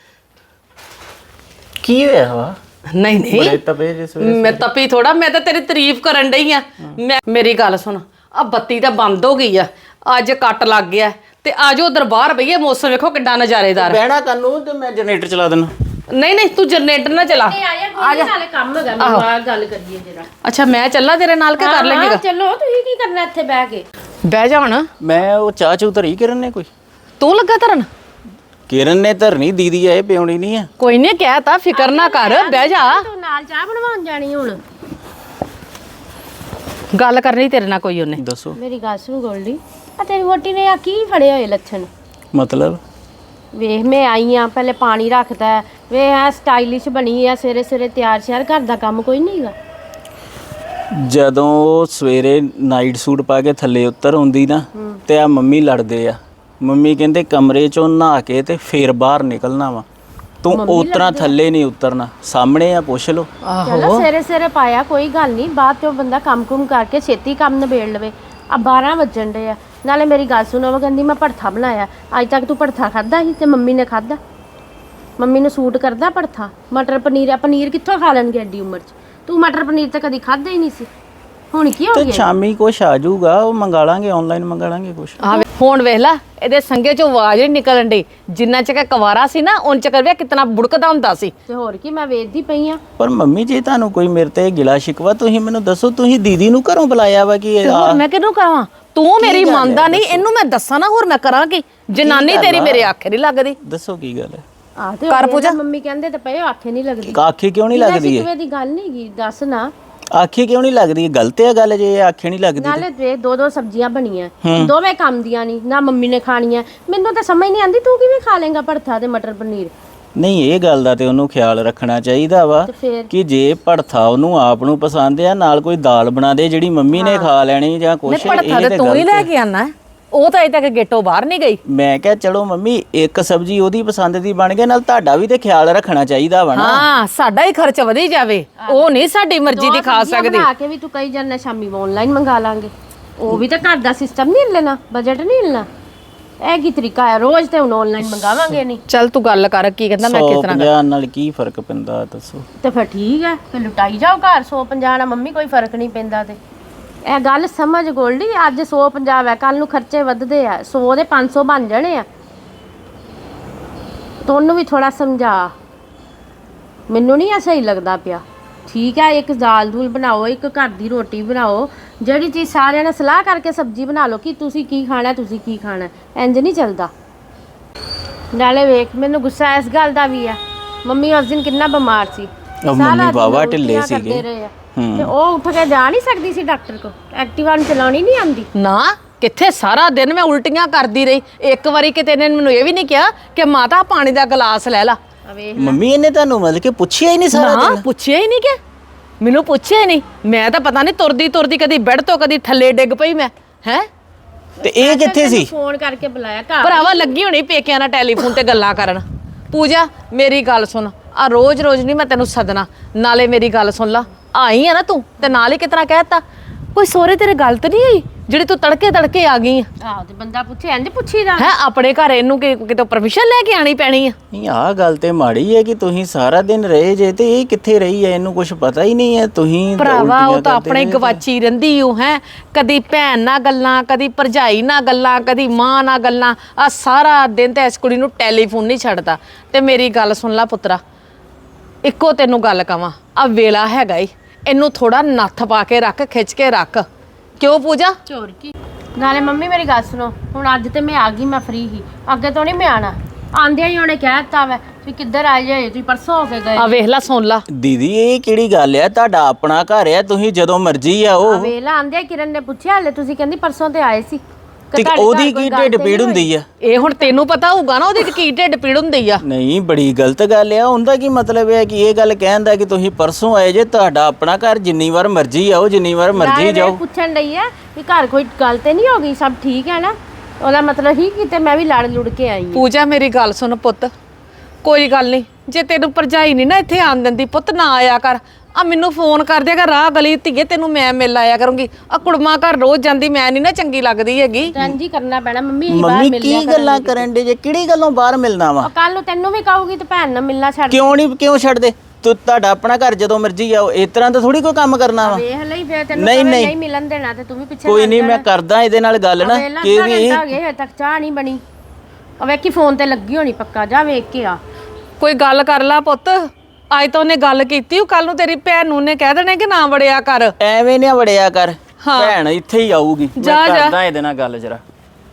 Speaker 4: ਕੀ ਹੋਇਆ ਵਾ
Speaker 2: ਨਹੀਂ
Speaker 4: ਬੜੇ
Speaker 2: ਨਹੀਂ
Speaker 4: ਤਪੇ ਜਿਸ ਵੇਲੇ
Speaker 2: ਮੈਂ ਤਪੀ ਥੋੜਾ ਮੈਂ ਤਾਂ ਤੇਰੀ ਤਾਰੀਫ ਕਰਨ ਡਈ ਆ ਮੈਂ ਮੇਰੀ ਗੱਲ ਸੁਣ ਆ ਬੱਤੀ ਤਾਂ ਬੰਦ ਹੋ ਗਈ ਆ ਅੱਜ ਕੱਟ ਲੱਗ ਗਿਆ ਤੇ ਆਜੋ ਦਰਬਾਰ ਬਈਏ ਮੌਸਮ ਵੇਖੋ ਕਿੱਡਾ ਨਜ਼ਾਰੇਦਾਰ
Speaker 4: ਬਹਿਣਾ ਤੈਨੂੰ ਤੇ ਮੈਂ ਜਨਰੇਟਰ ਚਲਾ ਦੇਣਾ
Speaker 2: ਨਹੀਂ ਨਹੀਂ ਤੂੰ ਜਨਰੇਟਰ ਨਾ ਚਲਾ
Speaker 1: ਤੇ ਆਇਆ ਕੋਈ ਨੀ, ਨਾਲੇ ਕੰਮ ਹੈਗਾ ਮੈਨੂੰ ਆ ਗੱਲ ਕਰੀਏ ਜਰਾ
Speaker 2: ਅੱਛਾ ਮੈਂ ਚੱਲਾਂ ਤੇਰੇ ਨਾਲ ਕਿ ਕਰ ਲੈਂਗੀ
Speaker 1: ਚਲੋ ਤੁਸੀਂ ਕੀ ਕਰਨਾ ਇੱਥੇ ਬਹਿ ਕੇ
Speaker 2: ਬਹਿ ਜਾ ਹੁਣ
Speaker 4: ਮੈਂ ਉਹ ਚਾਹ ਚੂ ਧਰੀ ਕਿਰਨ ਨੇ ਕੋਈ
Speaker 2: ਤੂੰ ਲੱਗਾ ਧਰਨ
Speaker 4: ਕਿਰਨ ਨੇ ਧਰਨੀ ਦੀਦੀ ਆ ਇਹ ਪਿਉਣੀ ਨਹੀਂ ਆ
Speaker 2: ਕੋਈ ਨਹੀਂ ਕਹਿਤਾ ਫਿਕਰ ਨਾ ਕਰ ਬਹਿ ਜਾ
Speaker 1: ਤੂੰ ਨਾਲ ਚਾਹ ਬਣਵਾਉਣ ਜਾਣੀ ਹੁਣ
Speaker 2: ਗੱਲ ਕਰਨੀ ਤੇਰੇ ਨਾਲ ਕੋਈ ਉਹਨੇ
Speaker 4: ਦੱਸੋ
Speaker 1: ਮੇਰੀ ਗੱਲ ਸੁਣ ਗੋਲਡੀ ਆ ਤੇਰੀ ਵੋਟੀ ਨੇ ਆ ਕੀ ਫੜੇ ਹੋਏ ਲੱਛਣ
Speaker 4: ਮਤਲਬ
Speaker 1: ਵੇਖ ਮੈਂ ਆਈ ਆ ਪਹਿਲੇ ਪਾਣੀ ਰੱਖਦਾ ਵੇ ਆ ਸਟਾਈਲਿਸ਼ ਬਣੀ ਆ ਸਵੇਰੇ ਸਵੇਰੇ ਤਿਆਰ ਸ਼ਿਆਰ ਘਰ ਦਾ ਕੰਮ ਕੋਈ ਨਹੀਂ ਹੈਗਾ
Speaker 4: ਜਦੋਂ ਉਹ ਸਵੇਰੇ ਨਾਈਟ ਸੂਟ ਪਾ ਕੇ ਥੱਲੇ ਉੱਤਰ ਆਉਂਦੀ ਨਾ ਤੇ ਆ ਮੰਮੀ ਲੜਦੇ ਆ ਮੰਮੀ ਕਹਿੰਦੇ ਕਮਰੇ ਚੋਂ ਨਹਾ ਕੇ ਤੇ ਫੇਰ ਬਾਹਰ ਨਿਕਲਣਾ ਵਾ ਤੂੰ ਉਤਰਾ ਥੱਲੇ ਨਹੀਂ ਉਤਰਨਾ ਸਾਹਮਣੇ ਆ ਪੁੱਛ ਲਓ
Speaker 1: ਚਲੋ ਸਵੇਰੇ ਸਵੇਰੇ ਪਾਇਆ ਕੋਈ ਗੱਲ ਨਹੀਂ ਬਾਅਦ ਚੋਂ ਬੰਦਾ ਕੰਮ ਕੁਮ ਕਰਕੇ ਛੇਤੀ ਕੰਮ ਨਿਬੇੜ ਲਵੇ ਆ ਬਾਰਾਂ ਵੱਜਣ ਦੇ ਆ ਨਾਲੇ ਮੇਰੀ ਗੱਲ ਸੁਣੋ ਉਹ ਕਹਿੰਦੀ ਮੈਂ ਭੜਥਾ ਬਣਾਇਆ ਅੱਜ ਤੱਕ ਤੂੰ ਭੜਥਾ ਖਾਦਾ ਸੀ ਤੇ ਮੰਮੀ ਨੇ ਖਾਦਾ ਮੰਮੀ ਨੂੰ ਸੂਟ ਕਰਦਾ ਭੜਥਾ ਮਟਰ ਪਨੀਰ ਆ ਪਨੀਰ ਕਿੱਥੋਂ ਖਾ ਲੈਣਗੇ ਐਡੀ ਉਮਰ 'ਚ ਤੂੰ ਮਟਰ ਪਨੀਰ ਤਾਂ ਕਦੀ ਖਾਦਾ ਹੀ ਨਹੀਂ ਸੀ ਹੁਣ ਕੀ ਹੋ
Speaker 4: ਤੇ
Speaker 1: ਗਿਆ
Speaker 4: ਸ਼ਾਮੀ ਕੁਛ ਆ ਜਾਊਗਾ ਉਹ ਮੰਗਾ ਲਾਂਗੇ ਆਨਲਾਈਨ ਮੰਗਾ ਲਾਂਗੇ ਕੁਛ
Speaker 2: ਆ ਫੋਨ ਵੇਖ ਲੈ ਇਹਦੇ ਸੰਗੇ ਚੋਂ ਆਵਾਜ਼ ਨਹੀਂ ਨਿਕਲਣ ਡਈ ਜਿੰਨਾ ਚਿਰ ਕੁਵਾਰਾ ਸੀ ਨਾ ਉਨ ਚਿਰ ਵੇ ਕਿਤਨਾ ਬੁੜਕਦਾ ਹੁੰਦਾ ਸੀ
Speaker 1: ਤੇ ਹੋਰ ਕੀ ਮੈਂ ਵੇਚਦੀ ਪਈ ਆ
Speaker 4: ਪਰ ਮੰਮੀ ਜੀ ਤੁਹਾਨੂੰ ਕੋਈ ਮੇਰੇ ਤੇ ਗਿਲਾ ਸ਼ਿਕਵਾ ਤੁਸੀਂ ਮੈਨੂੰ ਦੱਸੋ ਤੁਸੀਂ ਦੀਦੀ ਨੂੰ ਘਰੋਂ ਬੁਲਾਇਆ ਵਾ ਕਿ ਇਹ
Speaker 2: ਹੋਰ ਮੈਂ ਕਿਹਨੂੰ ਕਹਾਂ ਤੂੰ ਮੇਰੀ ਮੰਨਦਾ ਨਹੀਂ ਇਹਨੂੰ ਮੈਂ ਦੱਸਾਂ ਨਾ ਹੋਰ ਮੈਂ ਕਰਾਂ ਕੀ ਜਨਾਨੀ ਤੇਰੀ ਮੇਰੇ ਆਖੇ ਨਹੀਂ ਲੱਗਦੀ
Speaker 4: ਦੱਸੋ ਕੀ ਗੱਲ ਹੈ
Speaker 1: ਆ ਤੇ ਕਰ ਪੂਜਾ ਮੰਮੀ ਕਹਿੰਦੇ ਤੇ ਪਏ ਆਖੇ ਨਹੀਂ ਲੱਗਦੀ
Speaker 4: ਆਖੇ ਕਿਉਂ ਨਹੀਂ ਲੱਗਦੀ
Speaker 1: ਕਿਵੇਂ ਦੀ ਗੱਲ ਨਹੀਂ ਗੀ ਦੱਸ ਨਾ
Speaker 4: ਆਖੇ ਕਿਉਂ ਨਹੀਂ ਲੱਗਦੀ ਗਲਤ ਹੈ ਗੱਲ ਜੇ ਇਹ ਆਖੇ ਨਹੀਂ ਲੱਗਦੀ
Speaker 1: ਨਾਲੇ ਦੇ ਦੋ ਦੋ ਸਬਜ਼ੀਆਂ ਬਣੀਆਂ ਦੋਵੇਂ ਕੰਮ ਦੀਆਂ ਨਹੀਂ ਨਾ ਮੰਮੀ ਨੇ ਖਾਣੀਆਂ ਮੈਨੂੰ ਤਾਂ ਸਮਝ ਨਹੀਂ ਆਂਦੀ ਤੂੰ ਕਿਵੇਂ ਖਾ ਲੇਗਾ ਭੜਥਾ ਤੇ ਮਟਰ ਪਨੀਰ
Speaker 4: ਨਹੀਂ ਇਹ ਗੱਲ ਦਾ ਤੇ ਉਹਨੂੰ ਖਿਆਲ ਰੱਖਣਾ ਚਾਹੀਦਾ ਵਾ
Speaker 1: ਤੇ ਫੇਰ
Speaker 4: ਕਿ ਜੇ ਭੜਥਾ ਉਹਨੂੰ ਆਪ ਨੂੰ ਪਸੰਦ ਆ ਨਾਲ ਕੋਈ ਦਾਲ ਬਣਾ ਦੇ ਜਿਹੜੀ ਮੰਮੀ ਨੇ ਖਾ ਲੈਣੀ ਜਾਂ ਕੁਛ
Speaker 2: ਭੜਥਾ ਤੇ ਤੂੰ ਹੀ ਲੈ ਕੇ ਆਣਾ ਉਹ ਤਾਂ ਅਜੇ ਤੱਕ ਗੇਟੋਂ ਬਾਹਰ ਨਹੀਂ ਗਈ
Speaker 4: ਮੈਂ ਕਿਹਾ ਚਲੋ ਮੰਮੀ ਇੱਕ ਸਬਜ਼ੀ ਉਹਦੀ ਪਸੰਦ ਦੀ ਬਣ ਗਈ ਨਾਲ ਤੁਹਾਡਾ ਵੀ ਤੇ ਖਿਆਲ ਰੱਖਣਾ ਚਾਹੀਦਾ ਵਾ ਨਾ
Speaker 2: ਹਾਂ ਸਾਡਾ ਹੀ ਖਰਚ ਵਧੀ ਜਾਵੇ ਉਹ ਨਹੀਂ ਸਾਡੀ ਮਰਜ਼ੀ ਦੀ ਖਾ ਸਕਦੀ
Speaker 1: ਬਣਾ ਕੇ ਵੀ ਤੂੰ ਕਈ ਜਨ ਸ਼ਾਮੀ ਆਨਲਾਈਨ ਮੰਗਾ ਲਾਂਗੇ ਉਹ ਵੀ ਤਾਂ ਘਰ ਦਾ ਸਿਸਟਮ ਨਹੀਂ ਲੈਣਾ ਬਜਟ ਨਹੀਂ ਲੈਣਾ ਇਹ ਕੀ ਤਰੀਕਾ ਹੈ ਰੋਜ਼ ਤੇ ਹੁਣ ਆਨਲਾਈਨ ਮੰਗਾਵਾਂਗੇ ਨਹੀਂ
Speaker 2: ਚੱਲ ਤੂੰ ਗੱਲ ਕਰ ਕੀ ਕਹਿੰਦਾ ਮੈਂ ਕਿਸ ਤਰ੍ਹਾਂ
Speaker 4: ਪੰਜਾਹ ਨਾਲ ਕੀ ਫਰਕ ਪੈਂਦਾ ਦੱਸੋ
Speaker 1: ਤੇ ਫਿਰ ਠੀਕ ਹੈ ਫਿਰ ਲੁਟਾਈ ਜਾਓ ਘਰ ਸੌ ਪੰਜਾਹ ਨਾਲ ਮੰਮੀ ਕੋਈ ਫਰਕ ਨਹੀਂ ਪੈਂਦਾ ਤੇ ਇਹ ਗੱਲ ਸਮਝ ਗੋਲਡੀ ਅੱਜ ਸੌ ਪੰਜਾਹ ਹੈ ਕੱਲ ਨੂੰ ਖਰਚੇ ਵੱਧਦੇ ਆ ਸੌ ਦੇ ਪੰਜ ਸੌ ਬਣ ਜਾਣੇ ਆ ਤੁਹਾਨੂੰ ਵੀ ਥੋੜਾ ਸਮਝਾ ਮੈਨੂੰ ਨਹੀਂ ਆ ਸਹੀ ਲੱਗਦਾ ਪਿਆ ਠੀਕ ਹੈ ਇੱਕ ਦਾਲ ਦੂਲ ਬਣਾਓ ਇੱਕ ਘਰ ਦੀ ਰੋਟੀ ਬਣਾਓ ਜਿਹੜੀ ਚੀਜ਼ ਸਾਰਿਆਂ ਨੇ ਸਲਾਹ ਕਰਕੇ ਸਬਜ਼ੀ ਬਣਾ ਲਓ ਕਿ ਤੁਸੀਂ ਕੀ ਖਾਣਾ ਤੁਸੀਂ ਕੀ ਖਾਣਾ ਇੰਜ ਨਹੀਂ ਚੱਲਦਾ ਨਾਲੇ ਵੇਖ ਮੈਨੂੰ ਗੁੱਸਾ ਇਸ ਗੱਲ ਦਾ ਵੀ ਆ ਮੰਮੀ ਉਸ ਦਿਨ ਕਿੰਨਾ ਬਿਮਾਰ ਸੀ
Speaker 4: ਉਹ ਮੰਮੀ ਬਾਵਾ ਢਿੱਲੇ ਸੀਗੇ
Speaker 1: ਤੇ ਉਹ ਉੱਠ ਕੇ ਜਾ ਨਹੀਂ ਸਕਦੀ ਸੀ ਡਾਕਟਰ ਕੋ ਐਕਟਿਵਾ ਨੂੰ ਚਲਾਉਣੀ ਨਹੀਂ ਆਉਂਦੀ
Speaker 2: ਨਾ ਕਿੱਥੇ ਸਾਰਾ ਦਿਨ ਮੈਂ ਉਲਟੀਆਂ ਕਰਦੀ ਰਹੀ ਇੱਕ ਵਾਰੀ ਕਿਤੇ ਇਹਨੇ ਮੈਨੂੰ ਇਹ ਵੀ ਨਹੀਂ ਕਿਹਾ ਕਿ ਮਾਤਾ ਪਾਣੀ ਦਾ ਗਲਾਸ ਲੈ ਲਾ
Speaker 4: ਮੰਮੀ ਇਹਨੇ ਤੁਹਾਨੂੰ ਮਤਲਬ ਕਿ ਪੁੱਛਿਆ ਹੀ ਨਹੀਂ ਸਾਰਾ
Speaker 2: ਨਾ ਪੁੱਛਿਆ ਹੀ ਨਹੀਂ ਕਿ ਮੈਨੂੰ ਪੁੱਛਿਆ ਹੀ ਨਹੀਂ ਮੈਂ ਤਾਂ ਪਤਾ ਨਹੀਂ ਤੁਰਦੀ ਤੁਰਦੀ ਕਦੀ ਬੈੱਡ ਤੋਂ ਕਦੀ ਥੱਲੇ ਡਿੱਗ ਪਈ ਮੈਂ ਹੈ
Speaker 4: ਤੇ ਇਹ ਕਿੱਥੇ ਸੀ
Speaker 1: ਫੋਨ ਕਰਕੇ ਬੁਲਾਇਆ ਘਰ
Speaker 2: ਭਰਾਵਾ ਲੱਗੀ ਹੋਣੀ ਪੇਕਿਆਂ ਨਾਲ ਟੈਲੀਫੋਨ ਤੇ ਗੱਲਾਂ ਕਰਨ ਪੂਜਾ ਮੇਰੀ ਗੱਲ ਸੁਣ ਆ ਰੋਜ਼ ਰੋਜ਼ ਨਹੀਂ ਮੈਂ ਤੈਨੂੰ ਸੱਦਣਾ ਨਾਲੇ ਮੇਰੀ ਗੱਲ ਸੁਣ ਲਾ ਆਈ ਆ ਨਾ ਤੂੰ ਤੇ ਨਾਲ ਹੀ ਕਿਤਨਾ ਕਹਿਤਾ ਕੋਈ ਸੋਰੇ ਤੇਰੇ ਗੱਲ ਤਾਂ ਨਹੀਂ ਆਈ ਜਿਹੜੀ ਤੂੰ ਤੜਕੇ ਤੜਕੇ ਆ ਗਈ ਆ
Speaker 1: ਆਹੋ ਤੇ ਬੰਦਾ ਪੁੱਛੇ ਇੰਜ ਪੁੱਛੀਦਾ
Speaker 2: ਹੈ ਆਪਣੇ ਘਰ ਇਹਨੂੰ ਕਿ ਕਿਤੋਂ ਪਰਮਿਸ਼ਨ ਲੈ ਕੇ ਆਣੀ ਪੈਣੀ ਆ
Speaker 4: ਨਹੀਂ ਆਹ ਗੱਲ ਤੇ ਮਾੜੀ ਹੈ ਕਿ ਤੁਸੀਂ ਸਾਰਾ ਦਿਨ ਰਹੇ ਜੇ ਤੇ ਇਹ ਕਿੱਥੇ ਰਹੀ ਹੈ ਇਹਨੂੰ ਕੁਝ ਪਤਾ ਹੀ ਨਹੀਂ ਹੈ ਤੁਸੀਂ
Speaker 2: ਭਰਾਵਾ
Speaker 4: ਉਲਟੀਆਂ
Speaker 2: ਉਹ ਤਾਂ
Speaker 4: ਕਰਦੇ
Speaker 2: ਆਪਣੇ
Speaker 4: ਰਹੇ।
Speaker 2: ਗਵਾਚੀ ਰਹਿੰਦੀ ਉਹ ਹੈ ਕਦੀ ਭੈਣ ਨਾਲ ਗੱਲਾਂ ਕਦੀ ਭਰਜਾਈ ਨਾਲ ਗੱਲਾਂ ਕਦੀ ਮਾਂ ਨਾਲ ਗੱਲਾਂ ਆ ਸਾਰਾ ਦਿਨ ਤੇ ਇਸ ਕੁੜੀ ਨੂੰ ਟੈਲੀਫੋਨ ਨਹੀਂ ਛੱਡਦਾ ਤੇ ਮੇਰੀ ਗੱਲ ਸੁਣ ਲੈ ਪੁੱਤਰਾ ਇੱਕੋ ਤੈਨੂੰ ਗੱਲ ਕਵਾਂ ਆ ਵੇਲਾ ਹੈਗਾ ਈ ਇਹਨੂੰ ਥੋੜਾ ਨੱਥ ਪਾ ਕੇ ਰੱਖ ਖਿੱਚ ਕੇ ਰੱਖ ਕਿਉਂ ਪੂਜਾ
Speaker 1: ਚੋਰ ਕੀ ਨਾਲੇ ਮੰਮੀ ਮੇਰੀ ਗੱਲ ਸੁਣੋ ਹੁਣ ਅੱਜ ਤੇ ਮੈਂ ਆ ਗਈ ਮੈਂ ਫ੍ਰੀ ਹੀ ਅੱਗੇ ਤੋਂ ਨਹੀਂ ਮੈਂ ਆਣਾ ਆਂਦਿਆਂ ਹੀ ਉਹਨੇ ਕਹਿ ਦਿੱਤਾ ਵਾ ਵੀ ਕਿੱਧਰ ਆਏ ਜੇ ਤੁਸੀਂ ਪਰਸੋਂ ਹੋ ਕੇ ਗਏ
Speaker 2: ਆ ਵੇਖ ਲੈ ਸੁਣ ਲਾ
Speaker 4: ਦੀਦੀ ਇਹ ਕਿਹੜੀ ਗੱਲ ਹੈ ਤੁਹਾਡਾ ਆਪਣਾ ਘਰ ਹੈ ਤੁਸੀਂ ਜਦੋਂ ਮਰਜ਼ੀ ਆਓ
Speaker 1: ਵੇਲਾ ਆਂਦਿਆਂ ਕਿਰਨ ਨੇ ਪੁੱਛਿਆ ਹਲੇ ਤੁਸੀਂ ਕਹਿੰਦੀ ਪਰਸੋਂ ਤੇ ਆਏ ਸੀ ਕਿ
Speaker 4: ਤੇ
Speaker 1: ਤੁਹਾਡੇ ਘਰ
Speaker 4: ਉਹਦੀ
Speaker 1: ਕੋਈ
Speaker 4: ਕੀ
Speaker 1: ਗੱਲ
Speaker 4: ਢਿੱਡ
Speaker 1: ਤੇ
Speaker 4: ਪੀੜ
Speaker 1: ਨਹੀਂ
Speaker 4: ਹੁੰਦੀ ਆ
Speaker 2: ਇਹ ਹੁਣ ਤੈਨੂੰ ਪਤਾ ਹੋਊਗਾ ਨਾ ਉਹਦੀ ਕੀ ਢਿੱਡ ਪੀੜ ਹੁੰਦੀ ਆ
Speaker 4: ਨਹੀਂ ਬੜੀ ਗਲਤ ਗੱਲ ਆ ਉਹਦਾ ਕੀ ਮਤਲਬ ਹੈ ਕਿ ਇਹ ਗੱਲ ਕਹਿੰਦਾ ਕਿ ਤੁਸੀਂ ਪਰਸੋਂ ਆਏ ਜੇ ਤੁਹਾਡਾ ਆਪਣਾ ਘਰ ਜਿੰਨੀ ਵਾਰ ਮਰਜ਼ੀ ਆਓ ਜਿੰਨੀ ਵਾਰ ਮਰਜ਼ੀ
Speaker 1: ਨਾਲੇ
Speaker 4: ਜਾਓ
Speaker 1: ਇਹ ਪੁੱਛਣ ਡਈ ਆ ਵੀ ਘਰ ਕੋਈ ਗੱਲ ਤੇ ਨਹੀਂ ਹੋ ਗਈ ਸਭ ਠੀਕ ਹੈ ਨਾ ਉਹਦਾ ਮਤਲਬ ਹੀ ਕਿਤੇ ਮੈਂ ਵੀ ਲੜ ਲੁੜ ਕੇ ਆਈ ਹਾਂ
Speaker 2: ਪੂਜਾ ਮੇਰੀ ਗੱਲ ਸੁਣ ਪੁੱਤ ਕੋਈ ਗੱਲ ਨਹੀਂ ਜੇ ਤੈਨੂੰ ਭਰਜਾਈ ਨਹੀਂ ਨਾ ਇੱਥੇ ਆਣ ਦਿੰਦੀ ਪੁੱਤ ਨਾ ਆਇਆ ਕਰ ਆ ਮੈਨੂੰ ਫੋਨ ਕਰ ਦਿਆ ਕਰ ਰਾਹ ਗਲੀ ਧੀਏ ਤੈਨੂੰ ਮੈਂ ਮਿਲ ਆਇਆ ਕਰੂੰਗੀ ਆ ਕੁੜਮਾ ਘਰ ਰੋਜ਼ ਜਾਂਦੀ ਮੈਂ ਨਹੀਂ ਨਾ ਚੰਗੀ ਲੱਗਦੀ ਹੈਗੀ
Speaker 1: ਜੀ ਕਰਨਾ ਪੈਣਾ ਮੰਮੀ ਅਸੀਂ ਬਾਹਰ
Speaker 4: ਮੰਮੀ
Speaker 1: ਮਿਲ
Speaker 4: ਕੀ ਗੱਲਾਂ ਕਰਨ ਦੇ ਜੇ ਕਿਹੜੀ ਗੱਲੋਂ ਬਾਹਰ ਮਿਲਣਾ ਵਾ
Speaker 1: ਕੱਲ ਨੂੰ ਤੈਨੂੰ ਵੀ ਕਹੂਗੀ ਤੇ ਭੈਣ ਨਾਲ ਮਿਲਣਾ ਛੱਡ
Speaker 4: ਕਿਉਂ ਨਹੀਂ ਕਿਉਂ ਛੱਡਦੇ ਤੂੰ ਤੁਹਾਡਾ ਆਪਣਾ ਘਰ ਜਦੋਂ ਮਰਜ਼ੀ ਆਓ ਇਸ ਤਰ੍ਹਾਂ ਤਾਂ ਥੋੜੀ ਕੋਈ ਕੰਮ ਕਰਨਾ ਵਾ
Speaker 1: ਵੇਖ ਲਈ ਫੇਰ ਤੈਨੂੰ
Speaker 4: ਨਹੀਂ,
Speaker 1: ਕਵੇ
Speaker 4: ਨਹੀਂ।
Speaker 1: ਨਹੀਂ ਮਿਲਣ ਦੇਣਾ ਤੇ ਤੂੰ ਵੀ ਪਿੱਛੇ
Speaker 4: ਕੋਈ ਨਹੀਂ ਮੈਂ ਕਰਦਾ ਇਹਦੇ ਨਾਲ ਗੱਲ ਨਾ
Speaker 1: ਕਿ
Speaker 4: ਕਿ ਵੀ ਇਹ
Speaker 1: ਹਜੇ ਤੱਕ ਚਾਹ ਨਹੀਂ ਬਣੀ ਉਹ ਵੇਖੀ ਫੋਨ ਤੇ ਲੱਗੀ ਹੋਣੀ ਪੱਕਾ ਜਾ ਵੇਖ ਕੇ ਆ
Speaker 2: ਕੋਈ ਗੱਲ ਕਰ ਲਾ ਪੁੱਤ ਅੱਜ ਤਾਂ ਉਹਨੇ ਗੱਲ ਕੀਤੀ ਉਹ ਕੱਲ ਨੂੰ ਤੇਰੀ ਭੈਣ ਨੂੰ ਨੇ ਕਹਿ ਦੇਣਾ ਕਿ ਨਾ ਵੜਿਆ ਕਰ
Speaker 4: ਐਵੇਂ ਨਾ ਵੜਿਆ ਕਰ ਭੈਣ ਇੱਥੇ ਹੀ ਆਊਗੀ ਮੈਂ
Speaker 2: ਜਾ, ਜਾ।
Speaker 4: ਕਰਦਾ ਇਹਦੇ ਨਾਲ ਗੱਲ ਜਰਾ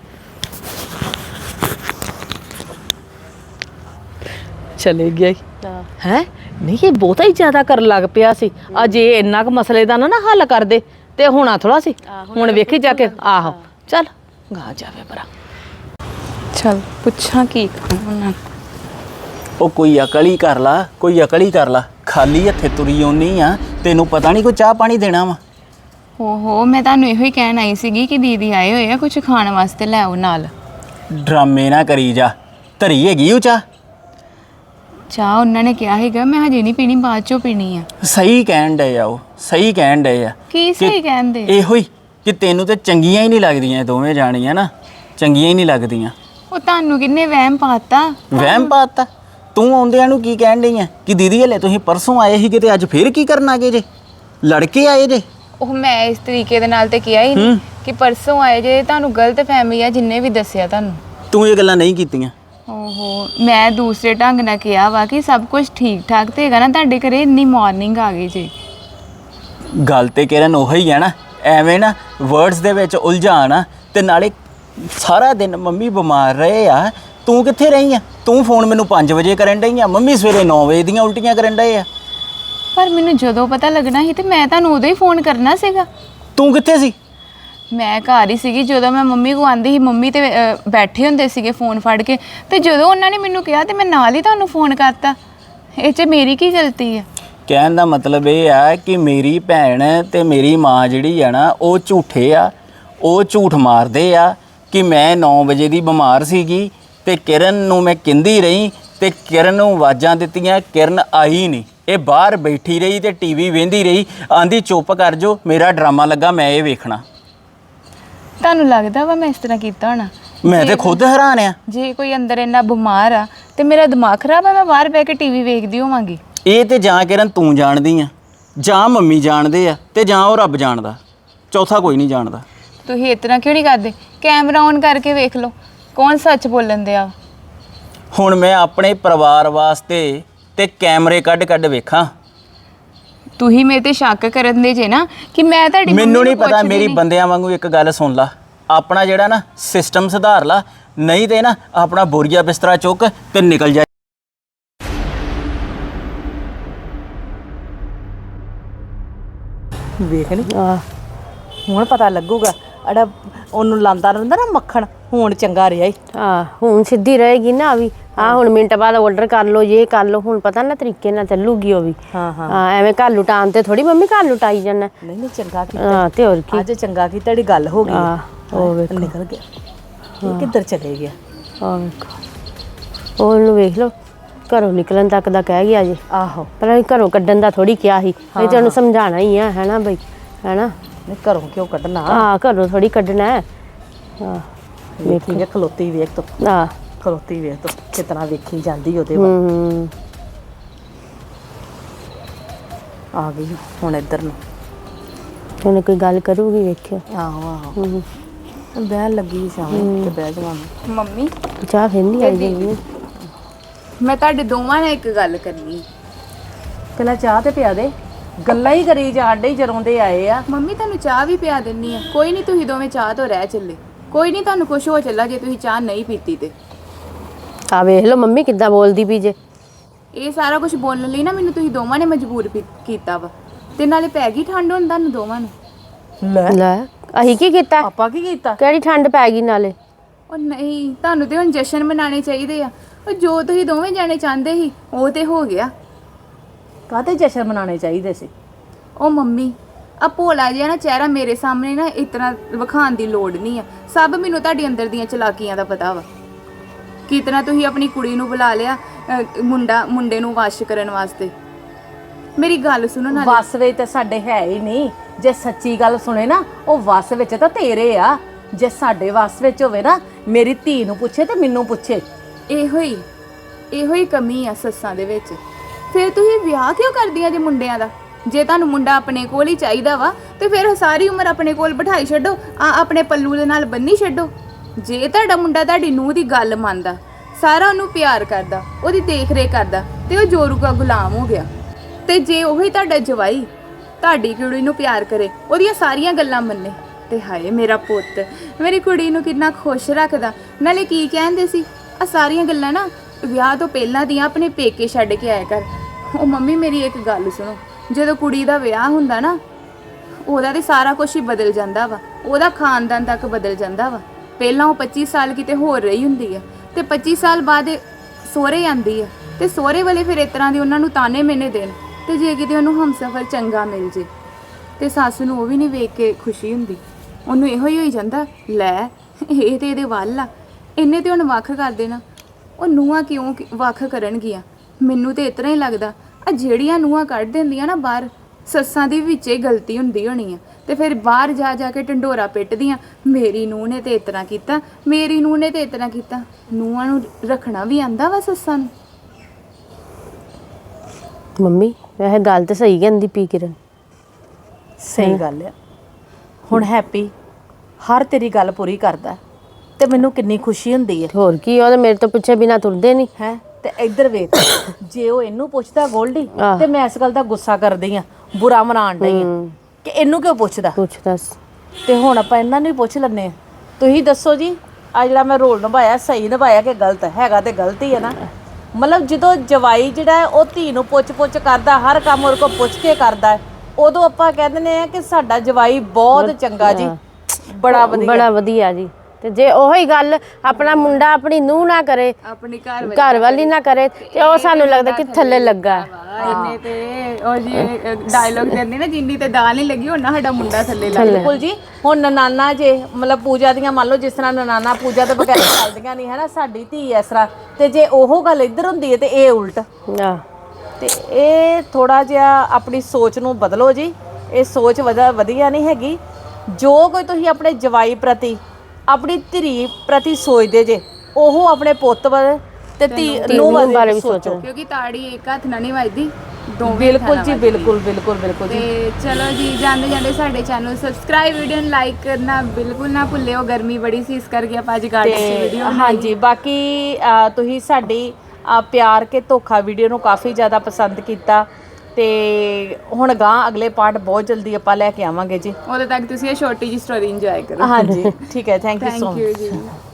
Speaker 2: ਚਲੇ ਗਿਆ ਹੈ ਨਹੀਂ ਇਹ ਬਹੁਤਾ ਹੀ ਜ਼ਿਆਦਾ ਕਰਨ ਲੱਗ ਪਿਆ ਸੀ ਅੱਜ ਇਹ ਇੰਨਾ ਕੁ ਮਸਲੇ ਦਾ ਨਾ ਨਾ ਹੱਲ ਕਰਦੇ ਤੇ ਹੋਣਾ ਥੋੜਾ ਸੀ ਹੁਣ ਵੇਖੀ ਜਾ ਕੇ ਆਹੋ ਚੱਲ ਗਾ ਜਾਵੇ ਪਰਾ
Speaker 3: ਚਲ ਪੁੱਛਾਂ ਕੀ ਕਹਾਂ ਉਹਨਾਂ ਨੂੰ।
Speaker 4: ਉਹ ਕੋਈ ਅਕਲ ਹੀ ਕਰ ਲਾ ਕੋਈ ਅਕਲ ਹੀ ਕਰ ਲਾ ਖਾਲੀ ਹੱਥੇ ਤੁਰੀ ਆਉਣੀ ਆ ਤੈਨੂੰ ਪਤਾ ਨਹੀਂ ਕੋਈ ਚਾਹ ਪਾਣੀ ਦੇਣਾ ਵਾ
Speaker 3: ਓਹੋ ਮੈਂ ਤੁਹਾਨੂੰ ਇਹੋ ਹੀ ਕਹਿਣ ਆਈ ਸੀਗੀ ਕਿ ਦੀਦੀ ਆਏ ਹੋਏ ਆ ਕੁਝ ਖਾਣ ਵਾਸਤੇ ਲੈ ਆਓ ਨਾਲ
Speaker 4: ਡਰਾਮੇ ਨਾ ਕਰੀ ਜਾ ਧਰੀ ਹੈਗੀ ਉਹ ਚਾਹ
Speaker 3: ਚਾਹ ਉਹਨਾਂ ਨੇ ਕਿਹਾ ਹੈਗਾ ਮੈਂ ਹਜੇ ਨਹੀਂ ਪੀਣੀ ਬਾਅਦ ਚੋਂ ਪੀਣੀ ਆ
Speaker 4: ਸਹੀ ਕਹਿਣ ਡਏ ਆ ਉਹ ਸਹੀ ਕਹਿਣ ਡਏ ਆ
Speaker 3: ਕੀ ਸਹੀ ਕਹਿੰਦੇ
Speaker 4: ਇਹੋ ਹੀ ਕਿ ਤੈਨੂੰ ਤੇ ਚੰਗੀਆਂ ਹੀ ਨਹੀਂ ਲੱਗਦੀਆਂ ਇਹ ਦੋਵੇਂ ਜਾਣੀਆਂ ਨਾ ਚੰਗੀਆਂ ਹੀ ਨਹੀਂ ਲੱਗਦੀਆਂ
Speaker 3: ਉਹ ਤੁਹਾਨੂੰ ਕਿੰਨੇ ਵਹਿਮ ਪਾਤਾ
Speaker 4: ਵਹਿਮ ਪਾਤਾ ਤੂੰ ਆਉਂਦਿਆਂ ਨੂੰ ਕੀ ਕਹਿਣ ਡਈ ਆ ਕਿ ਦੀਦੀ ਹਲੇ ਤੁਸੀਂ ਪਰਸੋਂ ਆਏ ਸੀ ਕਿਤੇ ਅੱਜ ਫੇਰ ਕੀ ਕਰਨ ਆ ਗਏ ਜੇ ਲੜ ਕੇ ਆਏ ਜੇ
Speaker 3: ਉਹ ਮੈਂ ਇਸ ਤਰੀਕੇ ਦੇ ਨਾਲ ਤੇ ਕਿਹਾ ਹੀ ਨਹੀਂ ਕਿ ਪਰਸੋਂ ਆਏ ਜੇ ਤੁਹਾਨੂੰ ਗਲਤ ਫਹਿਮੀ ਆ ਜਿੰਨੇ ਵੀ ਦੱਸਿਆ ਤੁਹਾਨੂੰ
Speaker 4: ਤੂੰ ਇਹ ਗੱਲਾਂ ਨਹੀਂ ਕੀਤੀਆਂ
Speaker 3: ਓਹੋ ਮੈਂ ਦੂਸਰੇ ਢੰਗ ਨਾਲ ਕਿਹਾ ਵਾ ਕਿ ਸਭ ਕੁਝ ਠੀਕ ਠਾਕ ਤੇ ਹੈਗਾ ਨਾ ਤੁਹਾਡੇ ਘਰੇ ਇੰਨੀ ਮਾਰਨਿੰਗ ਆ ਗਈ ਜੇ
Speaker 4: ਗੱਲ ਤੇ ਕਿਰਨ ਉਹ ਹੀ ਆ ਨਾ ਐਵੇਂ ਨਾ ਵਰਡਸ ਦੇ ਵਿੱਚ ਉਲਝਾਣ ਆ ਤੇ ਨਾਲੇ ਸਾਰਾ ਦਿਨ ਮੰਮੀ ਬਿਮਾਰ ਰਹੇ ਆ ਤੂੰ ਕਿੱਥੇ ਰਹੀ ਆ ਤੂੰ ਫੋਨ ਮੈਨੂੰ ਪੰਜ ਵਜੇ ਕਰਨ ਡਈ ਆ ਮੰਮੀ ਸਵੇਰੇ ਨੌ ਵਜੇ ਦੀਆਂ ਉਲਟੀਆਂ ਕਰਨ ਡਏ ਆ
Speaker 3: ਪਰ ਮੈਨੂੰ ਜਦੋਂ ਪਤਾ ਲੱਗਣਾ ਸੀ ਤੇ ਮੈਂ ਤੁਹਾਨੂੰ ਉਦੋਂ ਹੀ ਫੋਨ ਕਰਨਾ ਸੀਗਾ
Speaker 4: ਤੂੰ ਕਿੱਥੇ ਸੀ
Speaker 3: ਮੈਂ ਘਰ ਹੀ ਸੀਗੀ ਜਦੋਂ ਮੈਂ ਮੰਮੀ ਕੋ ਆਂਦੀ ਸੀ ਮੰਮੀ ਤੇ ਅ, ਬੈਠੇ ਹੁੰਦੇ ਸੀਗੇ ਫੋਨ ਫੜ ਕੇ ਤੇ ਜਦੋਂ ਉਹਨਾਂ ਨੇ ਮੈਨੂੰ ਕਿਹਾ ਤੇ ਮੈਂ ਨਾਲ ਹੀ ਤੁਹਾਨੂੰ ਫੋਨ ਕਰਤਾ ਇਹ 'ਚ ਮੇਰੀ ਕੀ ਗਲਤੀ ਹੈ
Speaker 4: ਕਹਿਣ ਦਾ ਮਤਲਬ ਇਹ ਆ ਕਿ ਮੇਰੀ ਭੈਣ ਤੇ ਮੇਰੀ ਮਾਂ ਜਿਹੜੀ ਆ ਨਾ ਉਹ ਝੂਠੇ ਆ ਉਹ ਝੂਠ ਮਾਰਦੇ ਆ ਕਿ ਮੈਂ ਨੌ ਵਜੇ ਦੀ ਬਿਮਾਰ ਸੀਗੀ ਤੇ ਕਿਰਨ ਨੂੰ ਮੈਂ ਕਹਿੰਦੀ ਰਹੀ ਤੇ ਕਿਰਨ ਨੂੰ ਆਵਾਜ਼ਾਂ ਦਿੱਤੀਆਂ ਕਿਰਨ ਆਈ ਨਹੀਂ ਇਹ ਬਾਹਰ ਬੈਠੀ ਰਹੀ ਤੇ ਟੀਵੀ ਵੇਂਦੀ ਰਹੀ ਆਂਦੀ ਚੁੱਪ ਕਰ ਜੋ ਮੇਰਾ ਡਰਾਮਾ ਲੱਗਾ ਮੈਂ ਇਹ ਵੇਖਣਾ
Speaker 3: ਤੁਹਾਨੂੰ ਲੱਗਦਾ ਵਾ ਮੈਂ ਇਸ ਤਰ੍ਹਾਂ ਕੀਤਾ ਹੋਣਾ
Speaker 4: ਮੈਂ ਤੇ ਖੁਦ ਹੈਰਾਨ ਆ
Speaker 3: ਜੇ ਕੋਈ ਅੰਦਰ ਇੰਨਾ ਬਿਮਾਰ ਆ ਤੇ ਮੇਰਾ ਦਿਮਾਗ ਖਰਾਬ ਆ ਮੈਂ ਬਾਹਰ ਬਹਿ ਕੇ ਟੀਵੀ ਵੇਖਦੀ ਹੋਵਾਂਗੀ
Speaker 4: ਇਹ ਤੇ ਜਾਂ ਕਿਰਨ ਤੂੰ ਜਾਣਦੀ ਆ ਜਾਂ ਮੰਮੀ ਜਾਣਦੇ ਆ ਤੇ ਜਾਂ ਉਹ ਰੱਬ ਜਾਣਦਾ ਚੌਥਾ ਕੋਈ ਨਹੀਂ ਜਾਣਦਾ
Speaker 3: ਤੁਸੀਂ ਇਤਨਾ ਕਿਉਂ ਨਹੀਂ ਕਰਦੇ ਕੈਮਰਾ ਔਨ ਕਰਕੇ ਵੇਖ ਲਓ ਕੌਣ ਸੱਚ ਬੋਲਣ ਦਿਆ
Speaker 4: ਹੁਣ ਮੈਂ ਆਪਣੇ ਪਰਿਵਾਰ ਵਾਸਤੇ ਤੇ ਕੈਮਰੇ ਕੱਢ ਕੱਢ ਵੇਖਾਂ
Speaker 3: ਤੁਸੀਂ ਮੇਰੇ ਤੇ ਸ਼ੱਕ ਕਰਨ ਦੇ ਜੇ ਨਾ ਕਿ ਮੈਂ ਤੁਹਾਡੀ ਮੰਮੀ
Speaker 4: ਮੈਨੂੰ
Speaker 3: ਨੂੰ
Speaker 4: ਨਹੀਂ ਪਤਾ
Speaker 3: ਪੁੱਛਦੀ
Speaker 4: ਮੇਰੀ
Speaker 3: ਨਹੀਂ।
Speaker 4: ਬੰਦਿਆਂ ਵਾਂਗੂ ਇੱਕ ਗੱਲ ਸੁਣ ਲਾ ਆਪਣਾ ਜਿਹੜਾ ਨਾ ਸਿਸਟਮ ਸੁਧਾਰ ਲਾ ਨਹੀਂ ਤੇ ਨਾ ਆਪਣਾ ਬੋਰੀਆ ਬਿਸਤਰਾ ਚੁੱਕ ਤੇ ਨਿਕਲ ਜਾ
Speaker 2: ਵੇਖ ਲਈ ਹੁਣ ਪਤਾ ਲੱਗੂਗਾ ਅੜਾ ਉਹਨੂੰ ਲਾਂਦਾ ਰਹਿੰਦਾ ਨਾ ਮੱਖਣ ਹੁਣ ਚੰਗਾ ਰਿਹਾ ਈ
Speaker 1: ਆ ਹੁਣ ਸਿੱਧੀ ਰਹੇਗੀ ਨਾ ਵੀ ਆ ਹੁਣ ਮਿੰਟ ਬਾਅਦ ਆਰਡਰ ਕਰ ਲਓ ਇਹ ਕਰ ਲਓ ਹੁਣ ਪਤਾ ਨਾ ਤਰੀਕੇ ਨਾਲ ਚੱਲੂਗੀ ਉਹ ਵੀ
Speaker 2: ਹਾਂ ਹਾਂ
Speaker 1: ਹਾਂ ਐਵੇਂ ਘਰ ਲੁਟਾਉਣ ਤੇ ਥੋੜੀ ਮੰਮੀ ਘਰ ਲੁਟਾਈ ਜਾਣਾ
Speaker 2: ਨਹੀਂ ਨਹੀਂ ਚੰਗਾ ਕੀ
Speaker 1: ਹਾਂ ਤੇ ਹੋਰ ਕੀ
Speaker 2: ਅੱਜ ਚੰਗਾ ਕੀ ਤੇਰੀ ਗੱਲ ਹੋ ਗਈ
Speaker 1: ਆ ਉਹ ਵੇਖੋ
Speaker 2: ਨਿਕਲ ਗਿਆ ਇਹ ਕਿੱਧਰ ਚਲੇ ਗਿਆ
Speaker 1: ਆ ਵੇਖੋ ਉਹਨੂੰ ਵੇਖ ਲਓ ਘਰੋਂ ਨਿਕਲਣ ਤੱਕ ਦਾ ਕਹਿ ਗਿਆ ਜੀ
Speaker 2: ਆਹੋ
Speaker 1: ਪਰ ਅਸੀਂ ਘਰੋਂ ਕੱਢਣ ਦਾ ਥੋੜੀ ਕਿਹਾ ਸੀ ਅਸੀਂ ਤੇ ਉਹਨੂੰ ਸਮਝਾਉਣਾ ਹੀ ਆ ਹੈਨਾ ਬਈ ਹੈਨਾ
Speaker 5: ਨਹੀਂ ਘਰੋਂ ਕਿਉਂ ਕੱਢਣਾ
Speaker 1: ਹਾਂ ਘਰੋਂ ਥੋੜੀ ਕੱਢਣਾ ਹੈ ਹਾਂ
Speaker 5: ਵੇਖੀ ਵੇ ਖਲੋਤੀ ਵੇਖ ਤੂੰ
Speaker 1: ਹਾਂ
Speaker 5: ਖਲੋਤੀ ਵੇਖ ਤੂੰ ਕਿਤਨਾ ਵੇਖੀ ਜਾਂਦੀ ਉਹਦੇ ਵੱਲ
Speaker 1: ਹੂੰ
Speaker 5: ਆ ਗਈ ਹੁਣ ਇੱਧਰ ਨੂੰ
Speaker 1: ਹੁਣ ਕੋਈ ਗੱਲ ਕਰੂਗੀ ਵੇਖਿਓ
Speaker 5: ਆਹੋ ਆਹੋ
Speaker 1: ਹੂੰ
Speaker 5: ਬਹਿਣ ਲੱਗੀ ਸ਼ਾਮ ਤੇ ਬਹਿ ਜਾਵਾਂ
Speaker 3: ਮੰਮੀ
Speaker 1: ਚਾਹ ਫਿਰ ਨਹੀਂ ਆਈ ਜਾਂਦੀ
Speaker 3: ਮੈਂ ਤੁਹਾਡੇ ਦੋਵਾਂ ਨਾਲ ਇੱਕ ਗੱਲ ਕਰਨੀ।
Speaker 5: ਪਹਿਲਾਂ ਚਾਹ ਤੇ ਪਿਆ ਦੇ ਗੱਲਾਂ ਹੀ ਕਰੀ ਜਾਂਦੇ ਹੀ ਜਦੋਂ ਦੇ ਆਏ ਆ
Speaker 3: ਮੰਮੀ ਤੁਹਾਨੂੰ ਚਾਹ ਵੀ ਪਿਆ ਦਿੰਨੀ ਆ, ਕੋਈ ਨਹੀਂ ਤੁਸੀਂ ਦੋਵੇਂ ਚਾਹ ਤੋਂ ਰਹਿ ਚੱਲੇ, ਕੋਈ ਨਹੀਂ ਤੁਹਾਨੂੰ ਕੁਝ ਹੋ ਚੱਲਾ ਜੇ ਤੁਸੀਂ ਚਾਹ ਨਹੀਂ ਪੀਤੀ ਤੇ।
Speaker 1: ਆ ਵੇਖ ਲਓ ਮੰਮੀ ਕਿੱਦਾਂ ਬੋਲਦੀ ਪਈ ਜੇ
Speaker 3: ਇਹ ਸਾਰਾ ਕੁਝ ਬੋਲਣ ਲਈ ਨਾ ਮੈਨੂੰ ਤੁਸੀਂ ਦੋਵਾਂ ਨੇ ਮਜਬੂਰ ਪੀ- ਕੀਤਾ ਵਾ, ਤੇ ਨਾਲੇ ਪੈ ਗਈ ਠੰਡ ਹੁਣ ਤੁਹਾਨੂੰ ਦੋਵਾਂ ਨੂੰ।
Speaker 5: ਲੈ
Speaker 1: ਲੈ ਅਸੀਂ ਕੀ ਕੀਤਾ
Speaker 5: ਆਪਾਂ ਕੀ ਕੀਤਾ
Speaker 1: ਕਿਹੜੀ ਠੰਡ ਪੈ ਗਈ ਨਾਲੇ
Speaker 3: ਉਹ ਨਹੀਂ, ਤੁਹਾਨੂੰ ਤੇ ਹੁਣ ਜਸ਼ਨ ਮਨਾਉਣੇ ਚਾਹੀਦੇ ਆ। ਉਹ ਜੋ ਤੁਸੀਂ ਦੋਵੇਂ ਜਾਣੇ ਚਾਹੁੰਦੇ ਸੀ ਉਹ ਤੇ ਹੋ ਗਿਆ।
Speaker 5: ਕਾਹਤੇ ਜਸ਼ਨ ਮਨਾਉਣੇ ਚਾਹੀਦੇ ਸੀ
Speaker 3: ਉਹ ਮੰਮੀ ਆ ਭੋਲਾ ਜਿਹਾ ਨਾ ਚਿਹਰਾ ਮੇਰੇ ਸਾਹਮਣੇ ਨਾ ਇਤਨਾ ਵਿਖਾਉਣ ਦੀ ਲੋੜ ਨਹੀਂ ਆ। ਸਭ ਮੈਨੂੰ ਤੁਹਾਡੇ ਅੰਦਰ ਦੀਆਂ ਚਲਾਕੀਆਂ ਦਾ ਪਤਾ ਵਾ। ਕਿਤਨਾ ਤੁਸੀਂ ਆਪਣੀ ਕੁੜੀ ਨੂੰ ਬੁਲਾ ਲਿਆ ਅਹ, ਮੁੰਡਾ ਮੁੰਡੇ ਨੂੰ ਵਾਸ਼ ਕਰਨ ਵਾਸਤੇ। ਮੇਰੀ ਗੱਲ ਸੁਣੋ ਨਾ,
Speaker 5: ਵਸ ਵਿੱਚ ਤਾਂ ਸਾਡੇ ਹੈ ਹੀ ਨਹੀਂ। ਜੇ ਸੱਚੀ ਗੱਲ ਸੁਣੇ ਨਾ ਉਹ ਵਸ ਵਿੱਚ ਤਾਂ ਤੇਰੇ ਆ। ਜੇ ਸਾਡੇ ਵਸ ਵਿੱਚ ਹੋਵੇ ਨਾ ਮੇਰੀ ਧੀ ਨੂੰ ਪੁੱਛੇ ਤੇ ਮੈਨੂੰ ਪੁੱਛੇ।
Speaker 3: ਇਹੋ ਹੀ ਇਹੋ ਹੀ ਕਮੀ ਆ ਸੱਸਾਂ ਦੇ ਵਿੱਚ। ਫਿਰ ਤੁਸੀਂ ਵਿਆਹ ਕਿਉਂ ਕਰਦੀਆਂ ਜੇ ਮੁੰਡਿਆਂ ਦਾ? ਜੇ ਤੁਹਾਨੂੰ ਮੁੰਡਾ ਆਪਣੇ ਕੋਲ ਹੀ ਚਾਹੀਦਾ ਵਾ ਤੇ ਫਿਰ ਸਾਰੀ ਉਮਰ ਆਪਣੇ ਕੋਲ ਬਿਠਾਈ ਛੱਡੋ, ਆ ਆਪਣੇ ਪੱਲੂ ਦੇ ਨਾਲ ਬੰਨੀ ਛੱਡੋ। ਜੇ ਤੁਹਾਡਾ ਮੁੰਡਾ ਤੁਹਾਡੀ ਨੂੰਹ ਦੀ ਗੱਲ ਮੰਨਦਾ, ਸਾਰਾ ਉਹਨੂੰ ਪਿਆਰ ਕਰਦਾ, ਉਹਦੀ ਦੇਖ ਰੇਖ ਕਰਦਾ, ਤੇ ਉਹ ਜੋਰੂ ਦਾ ਗੁਲਾਮ ਹੋ ਗਿਆ। ਤੇ ਜੇ ਉਹੀ ਤੁਹਾਡਾ ਜਵਾਈ ਤੁਹਾਡੀ ਕੁੜੀ ਨੂੰ ਪਿਆਰ ਕਰੇ, ਉਹਦੀਆਂ ਸਾਰੀਆਂ ਗੱਲਾਂ ਮੰਨੇ, ਤੇ ਹਾਏ ਮੇਰਾ ਪੁੱਤ ਮੇਰੀ ਕੁੜੀ ਨੂੰ ਕਿੰਨਾ ਖੁਸ਼ ਰੱਖਦਾ। ਨਾਲੇ ਕੀ ਕਹਿੰਦੇ ਸੀ, ਆ ਸਾਰੀਆਂ ਗੱਲਾਂ ਨਾ ਵਿਆਹ ਤੋਂ ਪਹਿਲਾਂ ਦੀਆਂ ਆਪਣੇ ਪੇਕੇ ਛੱਡ ਕੇ ਆਇਆ ਕਰ। ਉਹ ਮੰਮੀ ਮੇਰੀ ਇੱਕ ਗੱਲ ਸੁਣੋ, ਜਦੋਂ ਕੁੜੀ ਦਾ ਵਿਆਹ ਹੁੰਦਾ ਨਾ ਉਹਦਾ ਤੇ ਸਾਰਾ ਕੁਝ ਹੀ ਬਦਲ ਜਾਂਦਾ ਵਾ, ਉਹਦਾ ਖਾਨਦਾਨ ਤੱਕ ਬਦਲ ਜਾਂਦਾ ਵਾ। ਪਹਿਲਾਂ ਉਹ ਪੱਚੀ ਸਾਲ ਕਿਤੇ ਹੋਰ ਰਹੀ ਹੁੰਦੀ ਆ ਤੇ ਪੱਚੀ ਸਾਲ ਬਾਅਦ ਇਹ ਸਹੁਰੇ ਆਂਦੀ ਆ, ਤੇ ਸਹੁਰੇ ਵਾਲੇ ਫਿਰ ਇਸ ਤਰ੍ਹਾਂ ਦੀ ਉਹਨਾਂ ਨੂੰ ਤਾਨੇ ਮੇਨੇ ਦੇਣ, ਤੇ ਜੇ ਕਿਤੇ ਉਹਨੂੰ ਹਮਸਫਰ ਚੰਗਾ ਮਿਲ ਜੇ ਤੇ ਸੱਸ ਨੂੰ ਉਹ ਵੀ ਨਹੀਂ ਵੇਖ ਕੇ ਖੁਸ਼ੀ ਹੁੰਦੀ। ਉਹਨੂੰ ਇਹੋ ਹੀ ਹੋਈ ਜਾਂਦਾ, ਲੈ ਇਹ ਤੇ ਇਹਦੇ ਵੱਲ ਆ, ਇਹਨੇ ਤੇ ਹੁਣ ਵੱਖ ਕਰ ਦੇਣਾ। ਉਹ ਨੂੰਹਾਂ ਕਿਉਂ ਕਿ- ਵੱਖ ਕਰਨਗੀਆਂ? ਮੈਨੂੰ ਤੇ ਇਤਨਾ ਹੀ ਲੱਗਦਾ ਆ ਜਿਹੜੀਆਂ ਨੂੰਹਾਂ ਕੱਢ ਦਿੰਦੀਆਂ ਨਾ ਬਾਹਰ, ਸੱਸਾਂ ਦੀ ਵਿੱਚ ਹੀ ਗਲਤੀ ਹੁੰਦੀ ਹੋਣੀ ਆ, ਤੇ ਫਿਰ ਬਾਹਰ ਜਾ ਜਾ ਕੇ ਢੰਡੋਰਾ ਪਿੱਟਦੀਆਂ, ਮੇਰੀ ਨੂੰਹ ਨੇ ਤੇ ਇਤਨਾ ਕੀਤਾ, ਮੇਰੀ ਨੂੰਹ ਨੇ ਤੇ ਇਤਨਾ ਕੀਤਾ। ਨੂੰਹਾਂ ਨੂੰ ਰੱਖਣਾ ਵੀ ਆਂਦਾ ਵਾ ਸੱਸਾਂ ਨੂੰ।
Speaker 1: ਮੰਮੀ ਇਹ ਗੱਲ ਤਾਂ ਸਹੀ ਕਹਿੰਦੀ ਪੀ ਕਿਰਨ
Speaker 5: ਸਹੀ ਗੱਲ ਆ। ਹੁਣ ਹੈਪੀ ਹਰ ਤੇਰੀ ਗੱਲ ਪੂਰੀ ਕਰਦਾ ਤੇ ਮੈਨੂੰ ਕਿੰਨੀ ਖੁਸ਼ੀ ਹੁੰਦੀ ਹੈ
Speaker 1: ਹੋਰ ਕੀ ਉਹ ਤਾਂ ਮੇਰੇ ਤੋਂ ਪੁੱਛੇ ਬਿਨਾ ਤੁਰਦੇ ਨਹੀਂ
Speaker 5: ਹੈ। ਤੇ ਇੱਧਰ ਵੇਖ, ਜੇ ਉਹ ਇਹਨੂੰ ਪੁੱਛਦਾ ਗੋਲਡੀ
Speaker 1: ਆਹ।
Speaker 5: ਤੇ ਮੈਂ ਇਸ ਗੱਲ ਦਾ ਗੁੱਸਾ ਕਰਦੀ ਆ, ਬੁਰਾ ਮਨਾਣ ਡਈ ਆ ਕਿ ਇਹਨੂੰ ਕਿਉਂ ਪੁੱਛਦਾ।
Speaker 1: ਪੁੱਛ ਦੱਸ
Speaker 5: ਤੇ ਹੁਣ ਆਪਾਂ ਇਹਨਾਂ ਨੂੰ ਹੀ ਪੁੱਛ ਲੈਂਦੇ ਆ। ਤੁਸੀਂ ਦੱਸੋ ਜੀ, ਆ ਜਿਹੜਾ ਮੈਂ ਰੋਲ ਨਿਭਾਇਆ ਸਹੀ ਨਿਭਾਇਆ ਕਿ ਗਲਤ? ਹੈਗਾ ਤੇ ਗਲਤੀ ਹੈ ਨਾ। ਮਤਲਬ ਜਦੋਂ ਜਵਾਈ ਜਿਹੜਾ ਹੈ ਉਹ ਧੀ ਨੂੰ ਪੁੱਛ ਪੁੱਛ ਕਰਦਾ, ਹਰ ਕੰਮ ਉਹਦੇ ਕੋਲ ਪੁੱਛ ਕੇ ਕਰਦਾ, ਉਦੋਂ ਆਪਾਂ ਕਹਿ ਦਿੰਦੇ ਆ ਕਿ ਸਾਡਾ ਜਵਾਈ ਬਹੁਤ ਚੰਗਾ ਜੀ, ਬੜਾ ਵਧੀਆ।
Speaker 1: ਬੜਾ ਵਧੀਆ ਜੀ। ਤੇ ਜੇ ਉਹੀ ਗੱਲ ਆਪਣਾ ਮੁੰਡਾ ਆਪਣੀ ਨੂੰਹ ਨਾ ਕਰੇ,
Speaker 3: ਆਪਣੇ ਘਰ
Speaker 1: ਘਰ ਵਾਲੀ ਨਾ ਕਰੇ, ਤੇ ਉਹ ਸਾਨੂੰ ਲੱਗਦਾ ਕਿ ਥੱਲੇ ਲੱਗਾ ਹੈ।
Speaker 3: ਇਹਨੇ ਤੇ ਉਹ ਜੀ ਡਾਇਲੌਗ ਦਿੰਦੇ ਨਾ, ਜਿੰਨੀ ਤੇ ਦਾਲ ਨਹੀਂ ਲੱਗੀ ਉਹਨਾਂ ਸਾਡਾ ਮੁੰਡਾ ਥੱਲੇ ਲੱਗ।
Speaker 5: ਬਿਲਕੁਲ ਜੀ। ਹੁਣ ਨਨਾਨਾ ਜੇ ਮਤਲਬ ਪੂਜਾ ਦੀਆਂ ਮੰਨ ਲਓ, ਜਿਸ ਤਰ੍ਹਾਂ ਨਨਾਨਾ ਪੂਜਾ ਤੋਂ ਬਗੈਰ ਚੱਲਦੀਆਂ ਨਹੀਂ ਹੈ ਨਾ, ਸਾਡੀ ਧੀ ਇਸ ਤਰ੍ਹਾਂ, ਤੇ ਜੇ ਉਹ ਗੱਲ ਇੱਧਰ ਹੁੰਦੀ ਹੈ ਤੇ ਇਹ ਉਲਟ।
Speaker 1: ਆਹ
Speaker 5: ਤੇ ਇਹ ਥੋੜਾ ਜਿਹਾ ਆਪਣੀ ਸੋਚ ਨੂੰ ਬਦਲੋ ਜੀ। ਇਹ ਸੋਚ ਵਧ- ਵਧੀਆ ਨਹੀਂ ਹੈਗੀ। ਜੋ ਕੋਈ ਤੁਸੀਂ ਆਪਣੇ ਜਵਾਈ ਪ੍ਰਤੀ, ਆਪਣੀ ਧੀ ਪ੍ਰਤੀ ਸੋਚਦੇ ਜੇ, ਉਹ ਆਪਣੇ ਪੁੱਤ ਬਾਰੇ ਤੇ ਧੀ ਨੂੰ ਬਾਰੇ ਵੀ ਸੋਚੋ।
Speaker 3: ਕਿਉਂਕਿ ਤਾੜੀ ਇੱਕ ਹੱਥ ਨਾਲ ਨਹੀਂ ਵੱਜਦੀ, ਦੋਵੇਂ
Speaker 5: ਬਿਲਕੁਲ ਜੀ, ਬਿਲਕੁਲ ਬਿਲਕੁਲ ਬਿਲਕੁਲ ਜੀ।
Speaker 3: ਤੇ ਚਲੋ ਜੀ, ਜਾਂਦੇ ਜਾਂਦੇ ਸਾਡੇ ਚੈਨਲ ਸਬਸਕ੍ਰਾਈਬ, ਵੀਡੀਓ ਨੂੰ ਲਾਈਕ ਕਰਨਾ ਬਿਲਕੁਲ ਨਾ ਭੁੱਲਿਓ। ਗਰਮੀ ਬੜੀ ਸੀ, ਇਸ ਕਰਕੇ ਆਪਾਂ ਅੱਜ ਗਾਰਡਨ ਦੀ ਵੀਡੀਓ
Speaker 5: ਤੇ ਹਾਂਜੀ, ਬਾਕੀ ਅ, ਤੁਸੀਂ ਸਾਡੀ ਅ, ਪਿਆਰ ਕੇ ਧੋਖਾ ਵੀਡੀਓ ਨੂੰ ਕਾਫੀ ਜ਼ਿਆਦਾ ਪਸੰਦ ਕੀਤਾ, ਤੇ ਹੁਣ ਗਾਂ ਅਗਲੇ ਪਾਰਟ ਬਹੁਤ ਜਲਦੀ ਆਪਾਂ ਲੈ ਕੇ ਆਵਾਂਗੇ ਜੀ।
Speaker 3: ਉਦੋਂ ਤੱਕ ਤੁਸੀਂ ਇਹ ਛੋਟੀ ਜਿਹੀ ਸਟੋਰੀ ਇੰਜੋਏ ਕਰੋ।
Speaker 5: ਹਾਂਜੀ, ਠੀਕ ਹੈ, thank you so
Speaker 3: thank
Speaker 5: much.
Speaker 3: You ਜੀ।